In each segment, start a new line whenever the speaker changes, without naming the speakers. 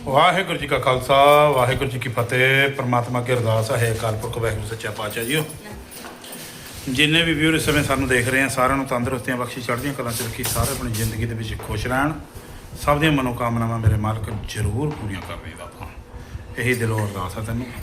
ਵਾਹਿਗੁਰੂ ਜੀ ਕਾ ਖਾਲਸਾ ਵਾਹਿਗੁਰੂ ਜੀ ਕੀ ਫਤਿਹ। परमात्मा की अरदास है अकाल पुरख वाहिगुरू सच्चा पातशाह जी। जिन्ने भी व्यूअर इस समय सानू देख रहे हैं साਰਿਆਂ ਨੂੰ ਤੰਦਰੁਸਤੀਆਂ ਬਖਸ਼ੀ ਚੜ੍ਹਦੀਆਂ ਕਲਾਂ ਚ ਰੱਖੀ। ਸਾਰੇ ਆਪਣੀ ਜ਼ਿੰਦਗੀ ਦੇ ਵਿੱਚ ਖੁਸ਼ ਰਹਿਣ। ਸਭ ਦੀਆਂ ਮਨੋਕਾਮਨਾਵਾਂ ਮੇਰੇ ਮਾਲਕ ਜ਼ਰੂਰ ਪੂਰੀਆਂ ਕਰ ਰਹੀ ਬਾਬਾ। ਇਹੀ ਦਿਲੋਂ ਅਰਦਾਸ ਹੈ ਤੈਨੂੰ।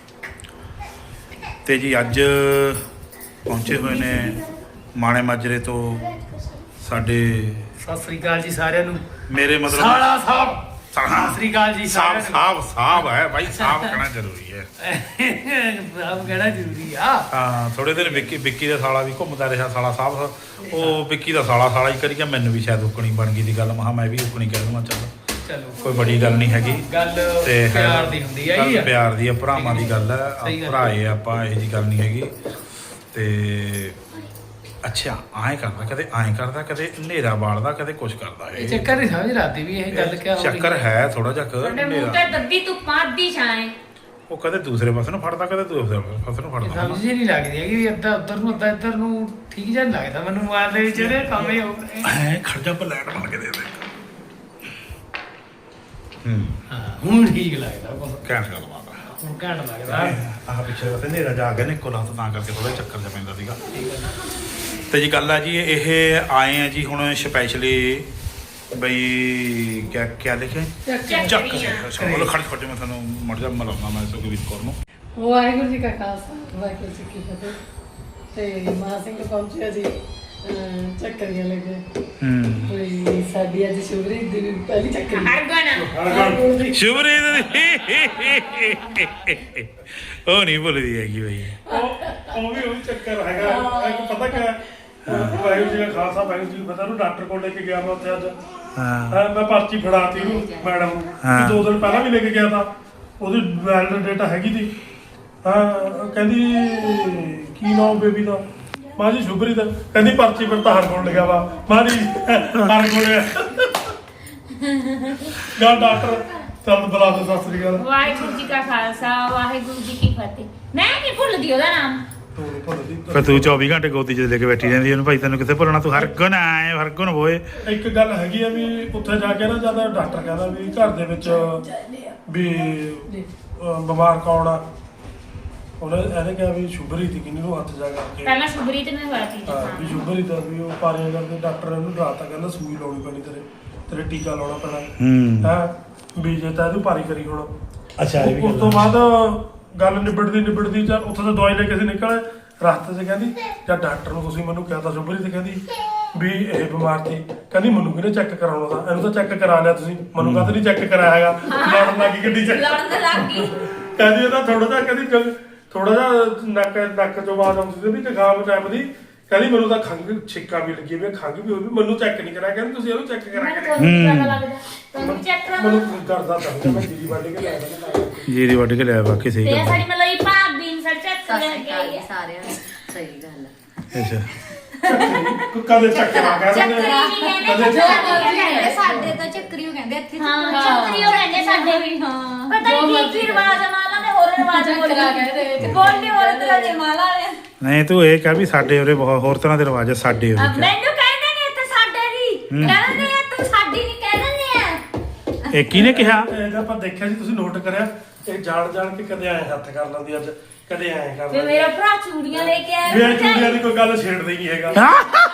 ਤੇ ਜੀ ਅੱਜ ਪਹੁੰਚੇ ਹੋਏ ਨੇ ਮਾਣੇ ਮਾਜਰੇ ਤੋਂ ਸਾਡੇ।
ਸਤਿ ਸ੍ਰੀ ਅਕਾਲ ਜੀ ਸਾਰਿਆਂ ਨੂੰ।
ਮੇਰੇ ਮਤਲਬ
ਸਾਲਾ ਸਾਹਿਬ ਸਤਿ ਸ੍ਰੀ ਅਕਾਲ ਜੀ
ਸਾਹਬ
ਸਾਰਿਆਂ
ਸਾਹਬ ਸਾਹਬ ਹੈ ਭਾਈ। ਸਾਹਬ ਕਹਿਣਾ ਜ਼ਰੂਰੀ ਹੈ।
ਨੂੰ। ਸਾਹਬ ਕਹਿਣਾ ਜ਼ਰੂਰੀ ਆ।
ਹਾਂ ਥੋੜੇ ਦਿਨ ਵਿੱਕੀ ਦਾ ਸਾਲਾ ਵੀ ਘੁੰਮਦਾ ਰਿਹਾ। ਸਾਲਾ ਸਾਹਿਬ ਉਹ ਵਿੱਕੀ ਦਾ ਸਾਲਾ ਹੀ ਕਰੀ ਗਿਆ। ਮੈਨੂੰ ਵੀ ਸ਼ਾਇਦ ਉਕਣੀ ਬਣ ਗਈ ਦੀ ਗੱਲ। ਮਹਾ ਮੈਂ ਵੀ ਉਕਣੀ ਕਹਿ ਦੂੰਗਾ।
ਚਲੋ
ਕੋਈ ਬੜੀ ਗੱਲ ਨਹੀਂ ਹੈਗੀ।
ਗੱਲ
ਤੇ
ਪਿਆਰ ਦੀ ਹੁੰਦੀ ਆ ਜੀ।
ਪਿਆਰ ਦੀ ਆ, ਭਰਾਵਾਂ ਦੀ ਗੱਲ ਹੈ।
ਸਹੀ ਗੱਲ
ਭਰਾਏ ਆਪਾਂ, ਇਹੋ ਜੀ ਗੱਲ ਨਹੀਂ ਹੈਗੀ। ਤੇ ਅੱਛਾ ਐਂ ਕਰਦਾ, ਕਦੇ ਐਂ ਕਰਦਾ, ਕਦੇ ਹਨੇਰਾ ਬਾਲਦਾ, ਕਦੇ ਕੁਛ ਕਰਦਾ ਹੈ।
ਇਹ ਚੱਕਰ ਨਹੀਂ ਸਮਝ ਰਾਤੀ ਵੀ ਇਹ ਗੱਲ ਕਿਆ ਹੋ ਰਹੀ
ਚੱਕਰ ਹੈ ਥੋੜਾ ਜਿਹਾ
ਸਾਡੇ ਮੂੰਹ ਤੇ ਦੱਦੀ ਧੁੱਪਾਂ ਅੱਧੀ ਛਾਂ।
ਉਹ ਕਦੇ ਦੂਸਰੇ ਪਾਸੇ ਨੂੰ ਫੜਦਾ, ਕਦੇ ਦੂਸਰੇ ਪਾਸੇ ਨੂੰ ਫੜਦਾ।
ਸਮਝ ਹੀ ਨਹੀਂ ਲੱਗਦੀ ਹੈਗੀ ਵੀ ਅੱਧਾ ਉੱਧਰ ਨੂੰ ਅੱਧਾ ਇੱਧਰ ਨੂੰ। ਠੀਕ ਜਿਹਾ ਨੀ ਲੱਗਦਾ ਮੈਨੂੰ ਮੋਬਾਈਲ ਦੇ ਵਿੱਚ ਜਿਹੜੇ ਕੰਮ ਹੀ ਹੋ ਰਹੇ।
ਐ ਖੜ ਜਾ ਪਲੈਟ ਬਣ ਕੇ ਦੇ ਦੇ।
ਹਾਂ ਹੁਣ ਠੀਕ ਲੱਗਦਾ ਕੁਛ।
ਕਹਿਣ ਗੱਲ ਬਾਤ ਹੈ।
ਹੁਣ ਘੈਂਟ ਲੱਗਦਾ।
ਆਹ ਪਿੱਛੇ ਵਸੇ ਹਨੇਰਾ ਜਾ ਗਿਆ ਨੇ ਕੋਲਾਂ ਤਾਂ ਕਰਕੇ ਥੋੜਾ ਚੱਕਰ ਜਿਹਾ ਪੈਂਦਾ ਸੀਗਾ। ਤੇ ਜੀ ਗੱਲ ਆ ਜੀ ਇਹ ਆਏ ਆ ਜੀ ਹੁਣ ਸਪੈਸ਼ਲੀ ਬਈ ਕਿਆ ਲਿਖਿਆ ਚੱਕ ਬੋਲੋ। ਖੜ ਖੜ ਮੈਂ ਤੁਹਾਨੂੰ ਮੜ ਜਾ ਮਲਾਉਣਾ ਮੈਂ ਸੁਖਵੀਰ ਕੌਰ ਨੂੰ।
ਵਾਹਿਗੁਰੂ ਜੀ ਕਾ ਖਾਲਸਾ ਵਾਹਿਗੁਰੂ ਜੀ ਕੀ ਫਤਿਹ। ਤੇ ਮਾਂ ਸਿੰਘ ਪਹੁੰਚਿਆ ਜੀ ਚੱਕਰੀਆਂ ਲੈ ਕੇ। ਕੋਈ ਸਾਡੀ ਅੱਜ ਸ਼ੁਭਰੀ ਦੀ ਪਹਿਲੀ ਚੱਕਰੀ।
ਹਰਗੁਣ
ਸ਼ੁਭਰੀਤ ਉਹ ਨਹੀਂ ਭੁੱਲਦੀ ਹੈਗੀ ਬਈ।
ਉਹ ਵੀ ਚੱਕਰ ਹੈਗਾ। ਇੱਕ ਪਤਾ ਕਿਆ ਵਾਹਿਗੁਰੂ ਜੀ ਦਾ ਖਾਲਸਾ ਵਾਹਿਗੁਰੂ ਜੀ ਕੀ ਫਤਿਹ ਨੂੰ ਡਾਕਟਰ ਕੋਲ ਲੈ ਕੇ ਗਿਆ ਮੈਂ ਉੱਥੇ ਅੱਜ। ਮੈਂ ਪਰਚੀ ਫੜਾਤੀ ਉਹਨੂੰ ਮੈਡਮ ਨੂੰ। 2 ਦਿਨ ਪਹਿਲਾਂ ਵੀ ਲੈ ਕੇ ਗਿਆ ਤਾਂ ਉਹਦੀ ਵੈਲਿਡ ਡੇਟਾ ਹੈਗੀ ਤੀ। ਕਹਿੰਦੀ ਕੀ ਨਾਮ ਬੇਬੀ ਦਾ? ਮਾਂ ਜੀ ਸ਼ੁਭਰੀ ਦਾ। ਕਹਿੰਦੀ ਪਰਚੀ ਪਰ ਤਾਂ ਹਰ ਕੋਲ ਲਿਖਿਆ ਵਾ। ਮਾਂ ਜੀ ਹਰ ਕੋਲ ਗਾ ਡਾਕਟਰ ਚੱਲ ਬੁਲਾ ਦੇ। ਸਤਿ ਸ੍ਰੀ ਅਕਾਲ।
ਵਾਹਿਗੁਰੂ ਜੀ ਕਾ ਖਾਲਸਾ ਵਾਹਿਗੁਰੂ ਜੀ ਕੀ ਫਤਿਹ। ਮੈਂ ਨਹੀਂ ਭੁੱਲਦੀ ਉਹਦਾ ਨਾਮ।
ਫਿਰ ਤੂੰ 24 ਘੰਟੇ ਗੋਦੀ 'ਚ ਲੈ ਕੇ ਬੈਠੀ ਰਹਿੰਦੀ ਉਹਨੂੰ। ਭਾਈ ਤੈਨੂੰ ਕਿੱਥੇ ਭੁੱਲਣਾ? ਤੂੰ ਹਰਗੁਣ ਆਏ ਹਰਗੁਣ ਹੋਏ।
ਇੱਕ ਗੱਲ ਹੈਗੀ ਆ ਵੀ ਉੱਥੇ ਜਾ ਕੇ ਨਾ ਜਿਆਦਾ ਡਾਕਟਰ ਕਹਿੰਦਾ ਵੀ ਘਰ ਦੇ ਵਿੱਚ ਵੀ ਬਿਮਾਰ ਕੌਣ ਆ। ਇਹਨੇ ਕਿਹਾ ਵੀ ਸ਼ੁਭਰੀ ਦੀ ਕਿੰਨੀ ਨੂੰ ਹੱਥ ਜਾ ਕਰਕੇ
ਪਹਿਲਾਂ ਸ਼ੁਭਰੀਤ ਨੇ ਹੋਇਆ ਸੀ।
ਵੀ ਸ਼ੁਭਰੀ ਦਾ ਵੀ ਉਹ ਪਾਰੇ ਕਰਦੇ ਡਾਕਟਰ ਇਹਨੂੰ ਡਰਾਤਾ ਕਹਿੰਦਾ ਸੂਈ ਲਾਉਣੀ ਪੈਣੀ ਤੇਰੇ ਟੀਕਾ ਲਾਉਣਾ ਪੈਣਾ ਹੈ ਵੀ ਜੇ ਤਾਂ ਇਹਨੂੰ ਭਾਰੀ ਕਰੀ ਹੁਣ।
ਅੱਛਾ
ਉਸ ਤੋਂ ਬਾਅਦ ਗੱਲ ਨਿਬੜਦੀ ਚੱਲ ਉੱਥੇ ਤੋਂ ਦਵਾਈ ਲੈ ਕੇ ਅਸੀਂ ਨਿਕਲੇ ਰਸਤੇ 'ਚ। ਕਹਿੰਦੀ ਜਾਂ ਡਾਕਟਰ ਨੂੰ ਤੁਸੀਂ ਮੈਨੂੰ ਕਿਹਾ ਤਾਂ ਸ਼ੁਭਰੀ ਤੇ ਕਹਿੰਦੀ ਵੀ ਇਹ ਬਿਮਾਰ ਸੀ। ਕਹਿੰਦੀ ਮੈਨੂੰ ਕਿਹਨੇ ਚੈੱਕ ਕਰਾਉਣਾ ਤਾਂ? ਇਹਨੂੰ ਤਾਂ ਚੈੱਕ ਕਰਾ ਲਿਆ ਤੁਸੀਂ, ਮੈਨੂੰ ਕਾਹਤੇ ਨਹੀਂ ਚੈੱਕ ਕਰਾਇਆ ਹੈਗਾ? ਲੜਨ ਲੱਗੀ ਗੱਡੀ 'ਚ।
ਲੜਨ ਲੱਗ ਗਈ।
ਕਹਿੰਦੀ ਇਹਦਾ ਥੋੜਾ ਜਿਹਾ ਕਹਿੰਦੀ ਥੋੜਾ ਜਿਹਾ ਨੱਕ ਚੋਂ ਆਵਾਜ਼ ਆਉਂਦੀ ਸੀ ਵੀ ਜ਼ੁਕਾਮ ਟਾਈਪ ਦੀ। ਕਹਿੰਦੀ ਮੈਨੂੰ ਤਾਂ ਖੰਘ ਛਿੱਕਾ ਵੀ ਲੱਗੀ ਵੀ ਖੰਘ ਵੀ ਹੋਈ। ਮੈਨੂੰ ਚੈੱਕ ਨਹੀਂ ਕਰਾਇਆ। ਕਹਿੰਦੀ ਤੁਸੀਂ ਇਹਨੂੰ ਚੈੱਕ ਕਰਾ ਕੇ
ਤੁਹਾਨੂੰ ਚੈੱਕ ਕਰਾ।
ਮੈਨੂੰ ਕਰਦਾ ਤਾਂ ਮੈਂ ਜੀਰੀ ਵੱਢ ਕੇ ਲਿਆ ਦਾਂ।
ਜੀਰੀ ਵੱਢ ਕੇ ਲਿਆ ਬਾਕੀ ਸਹੀ
ਤੇ
ਗੱਲ।
ਸਾਡੀ ਮਤਲਬ ਭਾਬੀ ਨੂੰ ਸਰ ਚੈੱਕ ਕਰ ਗਈ।
ਸਾਰਿਆਂ ਨੂੰ ਸਹੀ ਗੱਲ ਹੈ।
ਅੱਛਾ
ਕਦੇ ਚੱਕਰਾ ਕਹਿੰਦੇ
ਕਹਿੰਦੇ ਸਾਡੇ ਤਾਂ ਚੱਕਰੀਓ ਕਹਿੰਦੇ ਇੱਥੇ।
ਹਾਂ ਚੱਕਰੀ ਹੋ ਰਹਿੰਦੇ ਸਾਡੇ ਵੀ।
ਹਾਂ
ਪਤਾ ਨਹੀਂ ਕੀ ਰਿਵਾਜ ਆ ਮਾਲਾ ਦੇ। ਹੋਰ ਰਿਵਾਜ ਬੋਲਦੇ ਹੋਰ ਤਰ੍ਹਾਂ ਦੇ ਮਾਲਾ ਨੇ।
ਨਹੀਂ ਤੂੰ ਇਹ ਕਹਿ ਵੀ ਸਾਡੇ ਉਰੇ ਬਹੁਤ ਹੋਰ ਤਰ੍ਹਾਂ ਦੇ ਰਿਵਾਜ ਆ। ਸਾਡੇ ਉਰੇ ਕਿਆ?
ਮੈਨੂੰ ਕਹਿੰਦੇ ਨੇ ਇੱਥੇ ਸਾਡੇ ਵੀ ਕਹਿੰਦੇ ਆ ਤੂੰ ਸਾਡੀ ਨਹੀਂ ਕਹਿੰਦੇ ਆ।
ਇਹ ਕਿਹਨੇ ਕਿਹਾ?
ਇਹ ਆਪਾਂ ਦੇਖਿਆ ਜੀ, ਤੁਸੀਂ ਨੋਟ ਕਰਿਆ ਇਹ ਜਾਣ ਕੇ ਕਦੇ ਐ ਹੱਥ ਕਰ ਲੈਂਦੀ ਅੱਜ, ਕਦੇ ਐ ਕਰ
ਤੇ
ਲੈਂਦੀ।
ਮੇਰਾ ਭਰਾ ਚੂੜੀਆਂ ਲੈ ਕੇ ਆਇਆ।
ਵੀ ਇਹ ਚੂੜੀਆਂ ਦੀ ਕੋਈ ਗੱਲ ਛੇੜਦਾ ਹੀ ਨਹੀਂ ਹੈਗਾ।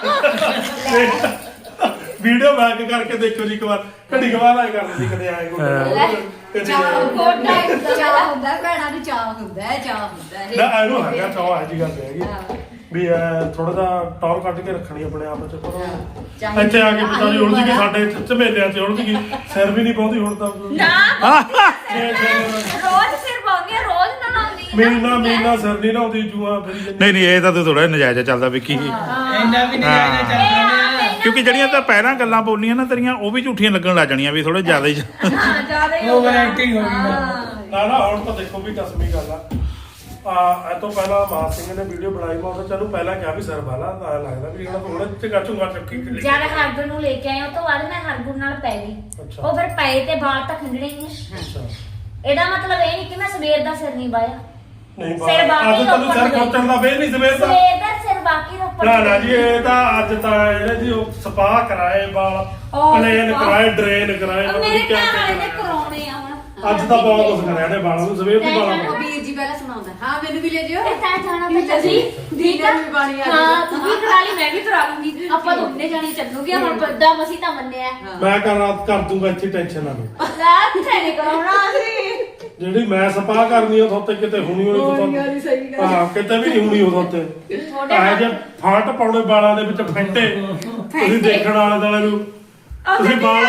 ਵੀਡੀਓ ਬੈਕ ਕਰਕੇ ਦੇਖੋ ਜੀ ਇੱਕ ਵਾਰ। ਘੜੀ ਵਾਰ ਆਏ ਕਰ ਲੈਂਦੀ ਕਦੇ ਐ ਕੋਈ
ਚਾਹ ਹੁੰਦਾ ਭੈਣਾਂ ਨੂੰ। ਚਾਹ ਹੁੰਦਾ ਹੈ
ਨਾ ਇਹਨੂੰ ਹੈਗਾ ਚਾਹ। ਇਹ ਜੀ ਗੱਲ ਹੈਗੀ ਵੀ ਥੋੜਾ ਜਿਹਾ ਟੌਰ ਕੱਢ ਕੇ ਰੱਖਣੀ ਆਪਣੇ ਆਪ ਚ। ਪਰ ਇੱਥੇ ਆ ਕੇ ਪਤਾ ਨਹੀਂ ਉਲਝ ਗਈ। ਸਾਡੇ ਝਮੇਲਿਆਂ ਚ ਉਲਝ ਗਈ। ਸਿਰ ਵੀ ਨਹੀਂ ਪਾਉਂਦੀ ਹੁਣ ਤਾਂ।
ਨਾ ਰੋਜ਼ ਸਿਰ ਪਾਉਂਦੀ ਆ। ਰੋਜ਼ ਨਾ ਲਾਉਂਦੀ
ਮੀਨਾ ਸਿਰ ਨਹੀਂ ਲਾਉਂਦੀ ਜੂਆ ਫਿਰ।
ਨਹੀਂ ਇਹ ਤਾਂ ਤੂੰ ਥੋੜਾ ਨਜਾਇਜ਼ ਚੱਲਦਾ ਵਿੱਕੀ।
ਇੰਨਾ ਵੀ ਨਹੀਂ ਜਾਇਦਾ ਚੱਲਦਾ।
ਕਿਉਂਕਿ ਜਿਹੜੀਆਂ ਤਾਂ ਪਹਿਲਾਂ ਗੱਲਾਂ ਬੋਲੀਆਂ ਨਾ ਤੇਰੀਆਂ ਉਹ ਵੀ ਝੂਠੀਆਂ ਲੱਗਣ ਲੱਗ ਜਾਣੀਆਂ ਵੀ ਥੋੜੇ ਜ਼ਿਆਦਾ ਹੀ।
ਜ਼ਿਆਦਾ ਹੀ
ਓਵਰ ਐਕਟਿੰਗ ਹੋ ਗਈ।
ਨਾ ਹੁਣ ਤਾਂ ਦੇਖੋ ਵੀ ਕਸਮੀ ਗੱਲ ਆ। ਇਹ ਤੋਂ ਪਹਿਲਾਂ ਮਾਨ ਸਿੰਘ ਨੇ ਵੀਡੀਓ ਬਣਾਈ। ਮੈਂ ਉਹਦਾ ਚਲੋ ਪਹਿਲਾਂ ਕਿਹਾ ਵੀ ਸਿਰ ਵਾਲਾ ਲੱਗਦਾ ਵੀ ਜਿਹੜਾ ਥੋੜਾ ਚੰਗਾ ਚੱਕੀ
ਜਦ ਹਰਗੁਣ ਨੂੰ ਲੈ ਕੇ ਆਏ ਉਹ ਤੋਂ ਬਾਅਦ ਮੈਂ ਹਰਗੁਣ ਨਾਲ ਪੈ ਗਈ।
ਅੱਛਾ।
ਉਹ ਫਿਰ ਪਏ ਤੇ ਵਾਲ ਤਾਂ ਖੰਡਣੇ ਹੀ ਆ।
ਅੱਛਾ
ਇਹਦਾ ਮਤਲਬ ਇਹ ਨਹੀਂ ਕਿ ਮੈਂ ਸਵੇਰ ਦਾ ਸਿਰ ਨਹੀਂ ਬਾਇਆ।
ਨਹੀਂ
ਸਿਰ ਬਾਕੀ
ਅੱਜ ਤੁਹਾਨੂੰ ਸਿਰ ਖੋਚਣ ਦਾ ਵੇ ਨਹੀਂ ਸਵੇਰ ਦਾ।
ਸਵੇਰ ਦਾ ਸਿਰ ਬਾਕੀ ਰੋਪੜ।
ਨਾ ਜੀ ਇਹ ਤਾਂ ਅੱਜ ਤਾਂ ਇਹਨੇ ਜੀ ਉਹ ਸਪਾ ਕਰਾਏ ਵਾਲ, ਪਲੇਨ ਕਰਾਏ, ਡਰੇਨ ਕਰਾਏ।
ਮੇਰੇ ਘਰ ਵਾਲੇ ਨੇ ਕਰਾਉਣੇ ਆ ਹੁਣ।
ਅੱਜ ਤਾਂ ਬਹੁਤ ਕੁਝ ਕਰਿਆ ਨੇ ਬਾਲਾਂ ਨੂੰ ਸਵੇਰ ਦੀ ਬਾਲਾਂ
ਉਹ
ਨੂੰ।
ਵੀਰ ਜੀ ਪਹਿਲਾਂ ਸੁਣਾਉਂਦਾ ਹਾਂ ਮੈਨੂੰ ਵੀ ਲੈ ਜਿਓ
ਤੇ ਤੈਂ ਜਾਣਾ ਤਾਂ ਜੀ ਠੀਕ ਆ ਹਾਂ ਤੂੰ ਵੀ ਕਰਾ ਲਈ ਮੈਂ ਵੀ ਕਰਾ ਲੂੰਗੀ ਆਪਾਂ ਦੋਨੇ ਜਾਣੇ ਚੱਲੂਗੇ ਹੁਣ ਬੱਦਾ ਮਸੀ ਤਾਂ ਮੰਨਿਆ
ਮੈਂ ਕਰ ਦੂੰਗਾ ਇੱਥੇ ਟੈਨਸ਼ਨ ਨਾ ਲਓ
ਰਾਤ ਨਹੀਂ ਕਰਾਉਣਾ ਸੀ
ਜਿਹੜੀ ਮੈਂ ਸਪਾ ਕਰਨੀ ਉਹ ਉੱਤੇ ਕਿਤੇ ਹੁਣੀ ਹੋਣੀ
ਹੋਣੀ ਸਹੀ ਗੱਲ।
ਹਾਂ ਕਿਤੇ ਵੀ ਨਹੀਂ ਹੋਣੀ ਉਹ ਉੱਤੇ ਆਹ ਜੇ ਫਾਟ ਪਾਉਣੇ ਬਾਲਾਂ ਦੇ ਵਿੱਚ ਫੈਂਟੇ ਤੁਸੀਂ ਦੇਖਣ ਵਾਲੇ ਦੁਆਲੇ ਨੂੰ ਤੁਸੀਂ ਬਾਲ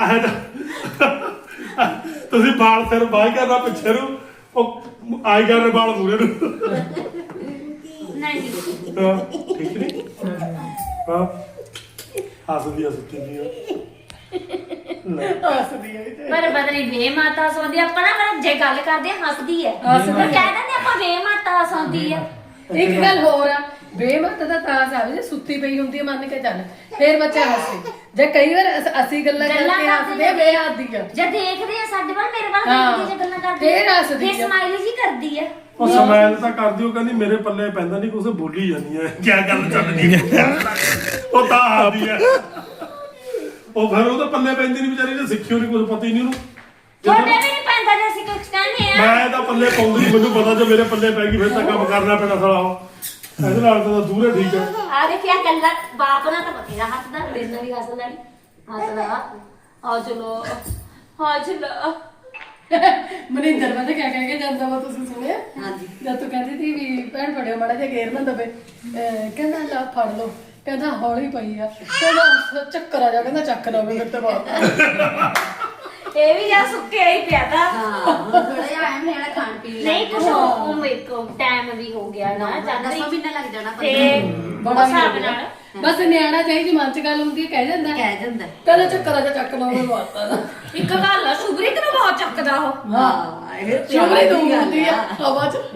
ਤੁਸੀਂ ਬਾਲ ਸਿਰ ਬਾਈ ਕਰਨਾ ਪਿੱਛੇ ਨੂੰ ਉਹ ਆਈ ਕਰਨੇ ਬਾਲ ਮੂਰੇ ਨੂੰ
ਨਹੀਂ
ਹਾਂ, ਠੀਕ ਨਹੀਂ ਹਾਂ ਹੱਸਦੀ ਆ ਸੁੱਤੀ ਦੀ ਲੈ
ਹੱਸਦੀ ਹੈ
ਪਰ ਬਦਲੀ ਵੇ ਮਾਤਾ ਸੌਂਦੀ ਆਪਾਂ ਨਾ ਪਰ ਜੇ ਗੱਲ ਕਰਦੇ ਆ ਹੱਸਦੀ ਹੈ ਪਰ ਕਹਿ ਦਿੰਦੇ ਆਪਾਂ ਵੇ ਮਾਤਾ ਸੌਂਦੀ ਆ
ਇੱਕ ਗੱਲ ਹੋਰ ਆ ਬੇਮਤ ਦਾ ਤਾਸ ਆਵੇ ਜੇ ਸੁੱਤੀ ਪਈ ਹੁੰਦੀ ਹੈ ਮੰਨ ਕੇ ਚੱਲ ਫੇਰ ਬੱਚਾ ਹੱਸੇ ਜੇ ਕਈ ਵਾਰ ਅਸੀਂ ਗੱਲਾਂ ਕਰਕੇ ਹੱਸਦੇ ਆ ਬੇਹੱਦੀ ਆ
ਜੇ ਦੇਖਦੇ ਆ ਸਾਡੇ ਵੱਲ ਮੇਰੇ ਵੱਲ
ਹਾਂ।
ਦੇਖਦੀ ਜੇ ਗੱਲਾਂ ਕਰਦੀ
ਫੇਰ ਹੱਸਦੀ
ਫੇਰ
ਆ।
ਸਮਾਈਲ ਜੀ ਕਰਦੀ ਆ
ਉਹ ਸਮੈਲ ਤਾਂ ਕਰਦੀ ਉਹ ਕਹਿੰਦੀ ਮੇਰੇ ਪੱਲੇ ਪੈਂਦਾ ਨਹੀਂ ਕੁਛ ਬੋਲੀ ਜਾਂਦੀ ਹੈ ਕੀ ਗੱਲ ਚੱਲਦੀ ਹੈ ਉਹ ਤਾਂ ਆਦੀ ਹੈ ਉਹ ਫਿਰ ਉਹਦੇ ਪੱਲੇ ਪੈਂਦੀ ਨਹੀਂ ਵਿਚਾਰੀ ਨੇ ਸਿੱਖਿਓ ਨਹੀਂ ਕੁਝ ਪਤਾ ਹੀ ਨਹੀਂ ਉਹਨੂੰ
ਤੁਹਾਡੇ ਵੀ ਨਹੀਂ ਪੈਂਦਾ ਜੇ ਅਸੀਂ ਕੁਝ ਕਹਿੰਦੇ ਆ
ਮੈਂ ਤਾਂ ਪੱਲੇ ਪਾਉਂਦੀ ਨਹੀਂ ਮੈਨੂੰ ਪਤਾ ਜੇ ਮੇਰੇ ਪੱਲੇ ਪੈ ਗਈ ਫਿਰ ਤਾਂ ਕੰਮ ਕਰਨਾ ਪੈਣਾ ਸਾਲਾ ਉਹ ਇਹਦੇ ਨਾਲ ਤਾਂ ਦੂਰੇ ਠੀਕ ਹੈ
ਆ ਦੇਖਿਆ ਕੱਲਾ ਬਾਪ ਨਾਲ ਤਾਂ ਬਥੇਰਾ ਹੱਸਦਾ ਮੇਰੇ ਨਾਲ ਵੀ ਹੱਸਦਾ ਨਹੀਂ ਹੱਸਦਾ ਆ ਚਲੋ ਹਾਂ ਚਲੋ
ਮਨਿੰਦਰ ਪਤਾ ਕਿਆ ਕਹਿ ਕੇ ਜਾਂਦਾ ਵਾ ਤੁਸੀਂ ਸੁਣਿਆ
ਹਾਂਜੀ
ਜਦ ਤੂੰ ਕਹਿੰਦੀ ਸੀ ਵੀ ਭੈਣ ਫੜਿਓ ਮਾੜਾ ਜਿਹਾ ਗੇਰ ਨਾ ਦਵੇ ਕਹਿੰਦਾ ਲਾ ਫੜ ਲਓ ਕਹਿੰਦਾ ਹੌਲੀ ਪਈ ਆ ਕਹਿੰਦਾ ਚੱਕਰ ਆ ਜਾ ਕਹਿੰਦਾ ਚੱਕ ਲਓ ਮੇਰੇ ਤੇ ਬਾਤ
ਇਹ ਵੀ ਜਾਂ ਸੁੱਕਿਆ ਹੀ ਪਿਆ ਤਾਂ
ਹਾਂ ਥੋੜਾ ਜਿਹਾ ਐਮ ਲੈਣਾ ਖਾਣ ਪੀਣ
ਨਹੀਂ ਕੁਛ ਉਹ ਮੇਰੇ ਕੋ ਟਾਈਮ ਵੀ ਹੋ ਗਿਆ ਨਾ ਜਾਂਦਾ
ਦਸਾਂ ਮਹੀਨਾ ਲੱਗ ਜਾਣਾ
ਤੇ
ਬੜਾ
ਹਿਸਾਬ ਨਾਲ
ਬਸ ਨਿਆਣਾ ਚਾਹੀਦੀ ਮਨ ਚ ਗੱਲ ਹੁੰਦੀ ਹੈ ਕਹਿ ਜਾਂਦਾ
ਕਹਿ ਜਾਂਦਾ
ਕਹਿੰਦਾ ਚੱਕਰ ਆ ਜਾ ਚੱਕ ਲਓ ਮੇਰੇ ਬਾਤ ਦਾ
ਇੱਕ ਗੱਲ ਆ ਸੁਬਰੀਤ ਨੂੰ ਬਹੁਤ ਚੱਕਦਾ ਉਹ
ਹਾਂ ਇਹ
ਸ਼ੁਭਰੀ ਤੋਂ ਹੁੰਦੀ ਆ ਹਵਾ ਚ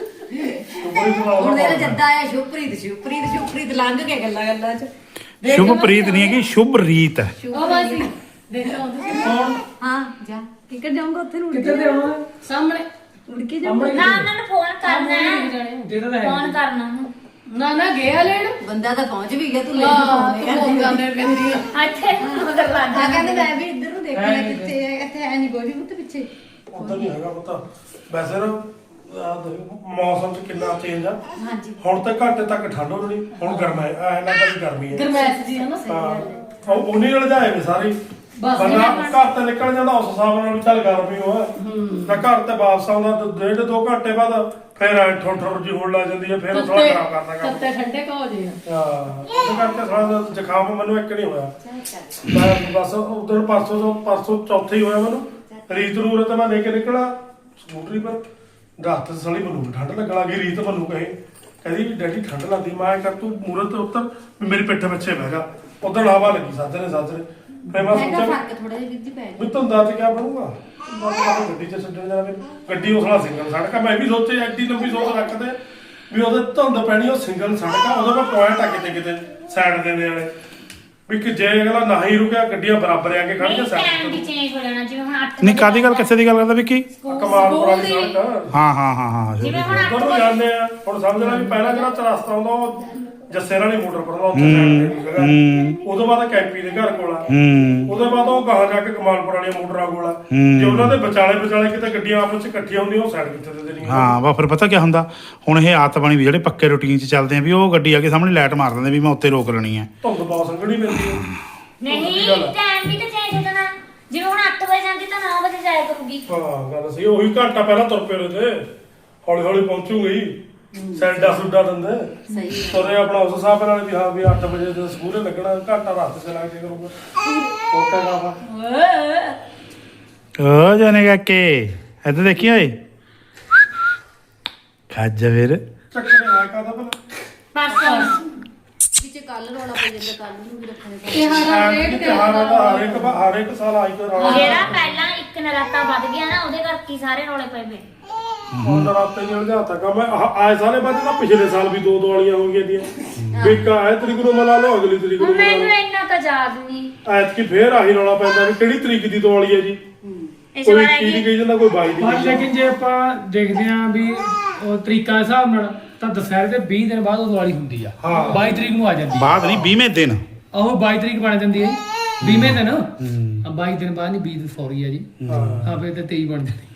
ਹੁਣ ਮੇਰਾ ਜੱਦਾ ਆਇਆ ਸ਼ੁਭਪ੍ਰੀਤ ਲੰਘ ਕੇ ਗੱਲਾਂ ਚ
ਸ਼ੁਭਪ੍ਰੀਤ ਨਹੀਂ ਹੈਗੀ ਸ਼ੁਭ ਰੀਤ ਹੈ
ਉਹ ਬਾਜੀ ਦੇਖਦਾ ਹੁੰਦੀ ਸੀ
ਹਾਂ ਜਾ ਕਿੱਧਰ ਜਾਊਂਗਾ ਉੱਥੇ ਨੂੰ
ਕਿੱਧਰ ਦੇ ਆਉਣਾ
ਸਾਹਮਣੇ
ਉੜ ਕੇ ਜਾਊਂਗਾ
ਨਾ ਉਹਨਾਂ ਨੂੰ ਫੋਨ ਕਰਨਾ ਹੈ
ਦੇ ਤਾਂ ਹੈ
ਫੋਨ ਕਰਨਾ ਉਹਨੂੰ
ਨਾ ਨਾ ਗਿਆ ਲੈਣ
ਬੰਦਾ ਤਾਂ ਪਹੁੰਚ ਵੀ ਗਿਆ ਤੂੰ ਲੈ
ਹਾਂ ਤੂੰ ਜਾਂਦੇ ਕਹਿੰਦੀ ਆ
ਇੱਥੇ ਮਗਰ ਲੱਗ
ਆ
ਜਾ
ਕਹਿੰਦੇ ਮੈਂ ਵੀ ਇੱਧਰ ਨੂੰ ਦੇਖਣਾ ਕਿੱਥੇ ਹੈ ਇੱਥੇ ਹੈ ਨਹੀਂ ਕੋਈ ਉੱਤੇ ਪਿੱਛੇ
ਉਧਰ ਨਹੀਂ ਹੈਗਾ ਪਤਾ ਵੈਸੇ ਨਾ ਆਹ ਦੇਖੋ, ਮੌਸਮ ਚ ਕਿੰਨਾ ਚੇਂਜ ਆ
ਹਾਂਜੀ
ਹੁਣ ਤਾਂ ਘੱਟ ਤੱਕ ਠੰਡ ਹੋ ਰਹੀ ਹੁਣ ਗਰਮਾ ਹੈ ਐ ਲੱਗਦਾ ਵੀ ਗਰਮੀ ਹੈ
ਗਰਮੈਸ਼ ਜੀ ਹੈ ਨਾ
ਹਾਂ ਉਹ ਉਨੀ ਨਾਲ ਜਾਏ ਨੇ ਸਾਰੇ
ਬਸ
ਬੰਦਾ ਘਰ ਤੇ ਨਿਕਲ ਜਾਂਦਾ ਉਸ ਹਿਸਾਬ ਨਾਲ ਵੀ ਚੱਲ ਗਰਮੀ ਹੋਆ ਤਾਂ ਘਰ ਤੇ ਵਾਪਸ ਆਉਂਦਾ ਤਾਂ 1.5-2 ਘੰਟੇ ਬਾਅਦ ਫਿਰ ਠੋਠਰ ਜੀ ਹੋਣ ਲੱਗ ਜਾਂਦੀ ਹੈ ਫਿਰ ਥੋੜਾ ਖਰਾਬ ਕਰਦਾ ਕੰਮ
ਤੱਤੇ ਠੰਡੇ ਕਾ ਹੋ ਜੇ
ਹਾਂ ਉਹ ਕਰਕੇ ਥੋੜਾ ਜ਼ੁਕਾਮ ਮੈਨੂੰ ਇੱਕ ਨਹੀਂ ਹੋਇਆ ਮੈਂ ਬਸ ਉਧਰ ਪਰਸੋਂ ਚੌਥੇ ਹੀ ਹੋਇਆ ਮੈਨੂੰ ਰੀਤ ਨੂੰ ਉਰੇ ਤਾਂ ਮੈਂ ਲੈ ਕੇ ਨਿਕਲਾ ਸਕੂਟਰੀ ਪਰ ਰਾਤ ਸਾਲੀ ਮੈਨੂੰ ਵੀ ਠੰਡ ਲੱਗਣ ਲੱਗੀ ਰੀਤ ਮੈਨੂੰ ਕਹਿੰਦੀ ਵੀ ਡੈਡੀ ਠੰਡ ਲੱਗਦੀ ਮੈਂ ਕਰ ਤੂੰ ਮੂਰੇ ਤੇ ਉੱਤਰ ਵੀ ਮੇਰੀ ਪਿੱਠ ਪਿੱਛੇ ਬਹਿ ਜਾ ਉਧਰ ਹਵਾ ਲੱਗੀ ਸਾਜਰੇ ਫਿਰ ਮੈਂ
ਹੈਗਾ
ਸੋਚਿਆ
ਫਰਕ ਥੋੜਾ ਜਿਹਾ ਵਿੱਧ ਪੈ
ਵੀ ਧੁੰਦਾਂ ਚ ਕਿਆ ਬਣੂਗਾ ਮੈਂ ਕਿਹਾ ਗੱਡੀ ਚ ਛੱਡਣ ਜਾਵੇ ਗੱਡੀ ਉਸ ਨਾਲ ਸਿੰਗਲ ਸੜਕ ਆ ਮੈਂ ਵੀ ਸੋਚੇ ਐਡੀ ਲੰਬੀ ਸੋਚ ਰੱਖਦੇ ਵੀ ਉਹਦੇ ਧੁੰਦ ਪੈਣੀ ਉਹ ਸਿੰਗਲ ਸੜਕ ਆ ਉਹਦੇ ਕੋਲ ਪੁਆਇੰਟ ਆ ਕਿਤੇ ਸਾਈਡ ਦੇ ਵਾਲੇ ਵੀ ਕਿ ਜੇ ਅਗਲਾ ਨਾ ਹੀ ਰੁਕਿਆ ਗੱਡੀਆਂ ਬਰਾਬਰ ਆ ਕੇ ਖੜ ਕੇ
ਟਾਈਮ ਵੀ
ਸਾਈਡ
ਚੇਂਜ ਹੋ ਜਾਣਾ ਜਿਵੇਂ ਹੁਣ 8
ਨਹੀਂ ਕਾਦੀ ਗੱਲ ਕਿਸੇ ਦੀ ਗੱਲ ਕਰਦਾ ਵਿੱਕੀ
ਕਮਾਲਪੁਰਾ ਦੀ ਸੜਕ
ਹਾਂ
ਜਿਵੇਂ ਹੁਣ 8
ਉਧਰ ਨੂੰ ਜਾਂਦੇ ਆ ਹੁਣ ਸਮਝ ਲੈ ਵੀ ਪਹਿਲਾਂ ਜਿਹੜਾ ਰਸਤਾ ਆਉਂਦਾ ਉਹ ਜੱਸੇ ਵਾਲੀ ਮੋਟਰ ਪਰ ਉੱਥੇ ਸਾਈਡ ਤੇ ਜਗ੍ਹਾ ਉਦੋਂ ਬਾਅਦ ਕੈਂਪੀ ਦੇ ਘਰ ਕੋਲ ਆ ਉਹਦੇ ਬਾਅਦ ਉਹ ਗਾਹਾਂ ਜਾ ਕੇ ਕਮਾਲਪੁਰ ਵਾਲੀਆਂ ਮੋਟਰਾਂ ਕੋਲ ਆ ਜੇ ਉਹਨਾਂ ਦੇ ਵਿਚਾਲੇ ਕਿਤੇ ਗੱਡੀਆਂ ਆਪਸ ਚ ਇਕੱਠੀਆਂ ਹੁੰਦੀਆਂ ਉਹ ਸਾਈਡ ਕਿੱਥੇ ਦੇ ਦੇਣੀਆਂ
ਹਾਂ ਵਾ ਫਿਰ ਪਤਾ ਕੀ ਹੁੰਦਾ ਹੁਣ ਇਹ ਆਦਤ ਬਣੀ ਵੀ ਜਿਹੜੇ ਪੱਕੇ ਰੂਟੀਨ 'ਚ ਚੱਲਦੇ ਆ ਵੀ ਉਹ ਗੱਡੀ ਆ ਕੇ ਸਾਹਮਣੇ ਲਾਈਟ ਮਾਰ ਦਿੰਦੇ ਵੀ ਮੈਂ ਉੱਤੇ ਰੋਕ ਲੈਣੀ ਹੈ
ਧੁੰਦ ਬਹੁਤ ਸੰਘਣੀ ਪੈਂਦੀ ਹੈ
ਨਹੀਂ ਟਾਈਮ ਵੀ ਤਾਂ ਚੇਂਜ ਹੋ ਜਾਣਾ ਜਿਵੇਂ ਹੁਣ 8 ਵਜੇ ਜਾਂਦੀ ਤਾਂ 9 ਵਜੇ ਜਾਇਆ ਕਰੂਗੀ
ਹਾਂ ਗੱਲ ਸਹੀ ਉਹੀ ਘੰਟਾ ਪਹਿਲਾਂ ਤੁਰ ਪਏ ਤੇ ਹੌਲੀ ਹੌਲੀ ਪਹੁੰਚੂਗੀ ਸੈਂਡਾ ਸੁੱਡਾ ਦਿੰਦੇ
ਸਹੀ
ਤੁਰੇ ਆਪਣਾ ਉਸ ਹਿਸਾਬ ਨਾਲ ਵੀ ਹਾਂ ਵੀ 8 ਵਜੇ ਤੇ ਸਕੂਲੇ ਲੱਗਣਾ ਘੰਟਾ ਰਸਤੇ ਚ ਲੱਗ ਕੇ ਕਰੂਗਾ ਹੋਰ ਕਿਆ ਕਰਨਾ
ਓ ਜਾਨੇ ਕਾਕੇ ਇੱਧਰ ਦੇਖੀ ਓਏ ਖਾਜਾ ਵੀਰ
ਚੱਕਰ ਆ ਕਾਦਾ ਭਲਾ
ਪਰਸੋਂ
ਵਿੱਚ ਕੱਲ ਰੋਣਾ ਪੈ ਜਾਂਦਾ ਕੱਲ ਨੂੰ ਵੀ ਰੱਖਣੇ
ਇਹ ਹਾਰਾ ਰੇਟ ਤੇ
ਹਰ ਇੱਕ ਸਾਲ ਆਈ ਕੋ ਰੌਲਾ
ਜਿਹੜਾ ਪਹਿਲਾਂ ਇੱਕ ਨਰਾਤਾ ਵੱਧ ਗਿਆ ਨਾ ਉਹਦੇ ਕਰਕੇ ਹੀ ਸਾਰੇ ਰੌਲੇ ਪਏ ਪਏ
ਹੁਣ ਰਾਤੇ ਨਹੀਂ ਉਲਝਾਤਾ ਕੰਮ ਆਏ ਸਾਰੇ ਬਾਅਦ ਤਾਂ ਪਿਛਲੇ ਸਾਲ ਵੀ ਦੋ ਵਾਲੀਆਂ ਹੋ ਗਈਆਂ ਦੀਆਂ ਵੀ ਆਏ ਤਰੀਕ ਨੂੰ ਮਨਾ ਲਓ ਅਗਲੀ ਤਰੀਕ ਨੂੰ ਮਨਾ
ਮੈਨੂੰ
ਲਓ
ਇੰਨਾ ਤਾਂ ਯਾਦ ਨਹੀਂ
ਐਤਕੀ ਫੇਰ ਆਹੀ ਰੌਲਾ ਪੈਂਦਾ ਵੀ ਕਿਹੜੀ ਤਰੀਕ ਦੀ ਦੀਵਾਲੀ ਹੈ ਜੀ
ਇਸ
ਕੋਈ
ਵਾਰ
21 ਦੀ ਕਹੀ ਜਾਂਦਾ ਕੋਈ 22 ਦੀ
ਪਰ
ਕਹੀ ਜਾਂਦਾ।
ਲੇਕਿਨ ਜੇ ਆਪਾਂ ਦੇਖਦੇ ਆਂ ਵੀ ਉਹ ਤਰੀਕਾ ਦੇ ਹਿਸਾਬ ਨਾਲ ਤਾਂ ਦੁਸਹਿਰੇ ਦੇ 20 ਦਿਨ ਬਾਅਦ ਉਹ ਦੀਵਾਲੀ ਹੁੰਦੀ ਆ
ਹਾਂ।
22 ਤਰੀਕ ਨੂੰ ਆ ਜਾਂਦੀ ਆ
ਬਾਅਦ ਨਹੀਂ 20ਵੇਂ ਦਿਨ
ਉਹ 22 ਤਰੀਕ ਬਣ ਜਾਂਦੀ ਹੈ 20ਵੇਂ ਦਿਨ 22 ਦਿਨ ਬਾਅਦ ਨਹੀਂ 20 ਦਿਨ ਸੌਰੀ ਆ ਜੀ ਹਾਂ ਫੇਰ ਤੇ 23 ਬਣ ਜਾਣੀ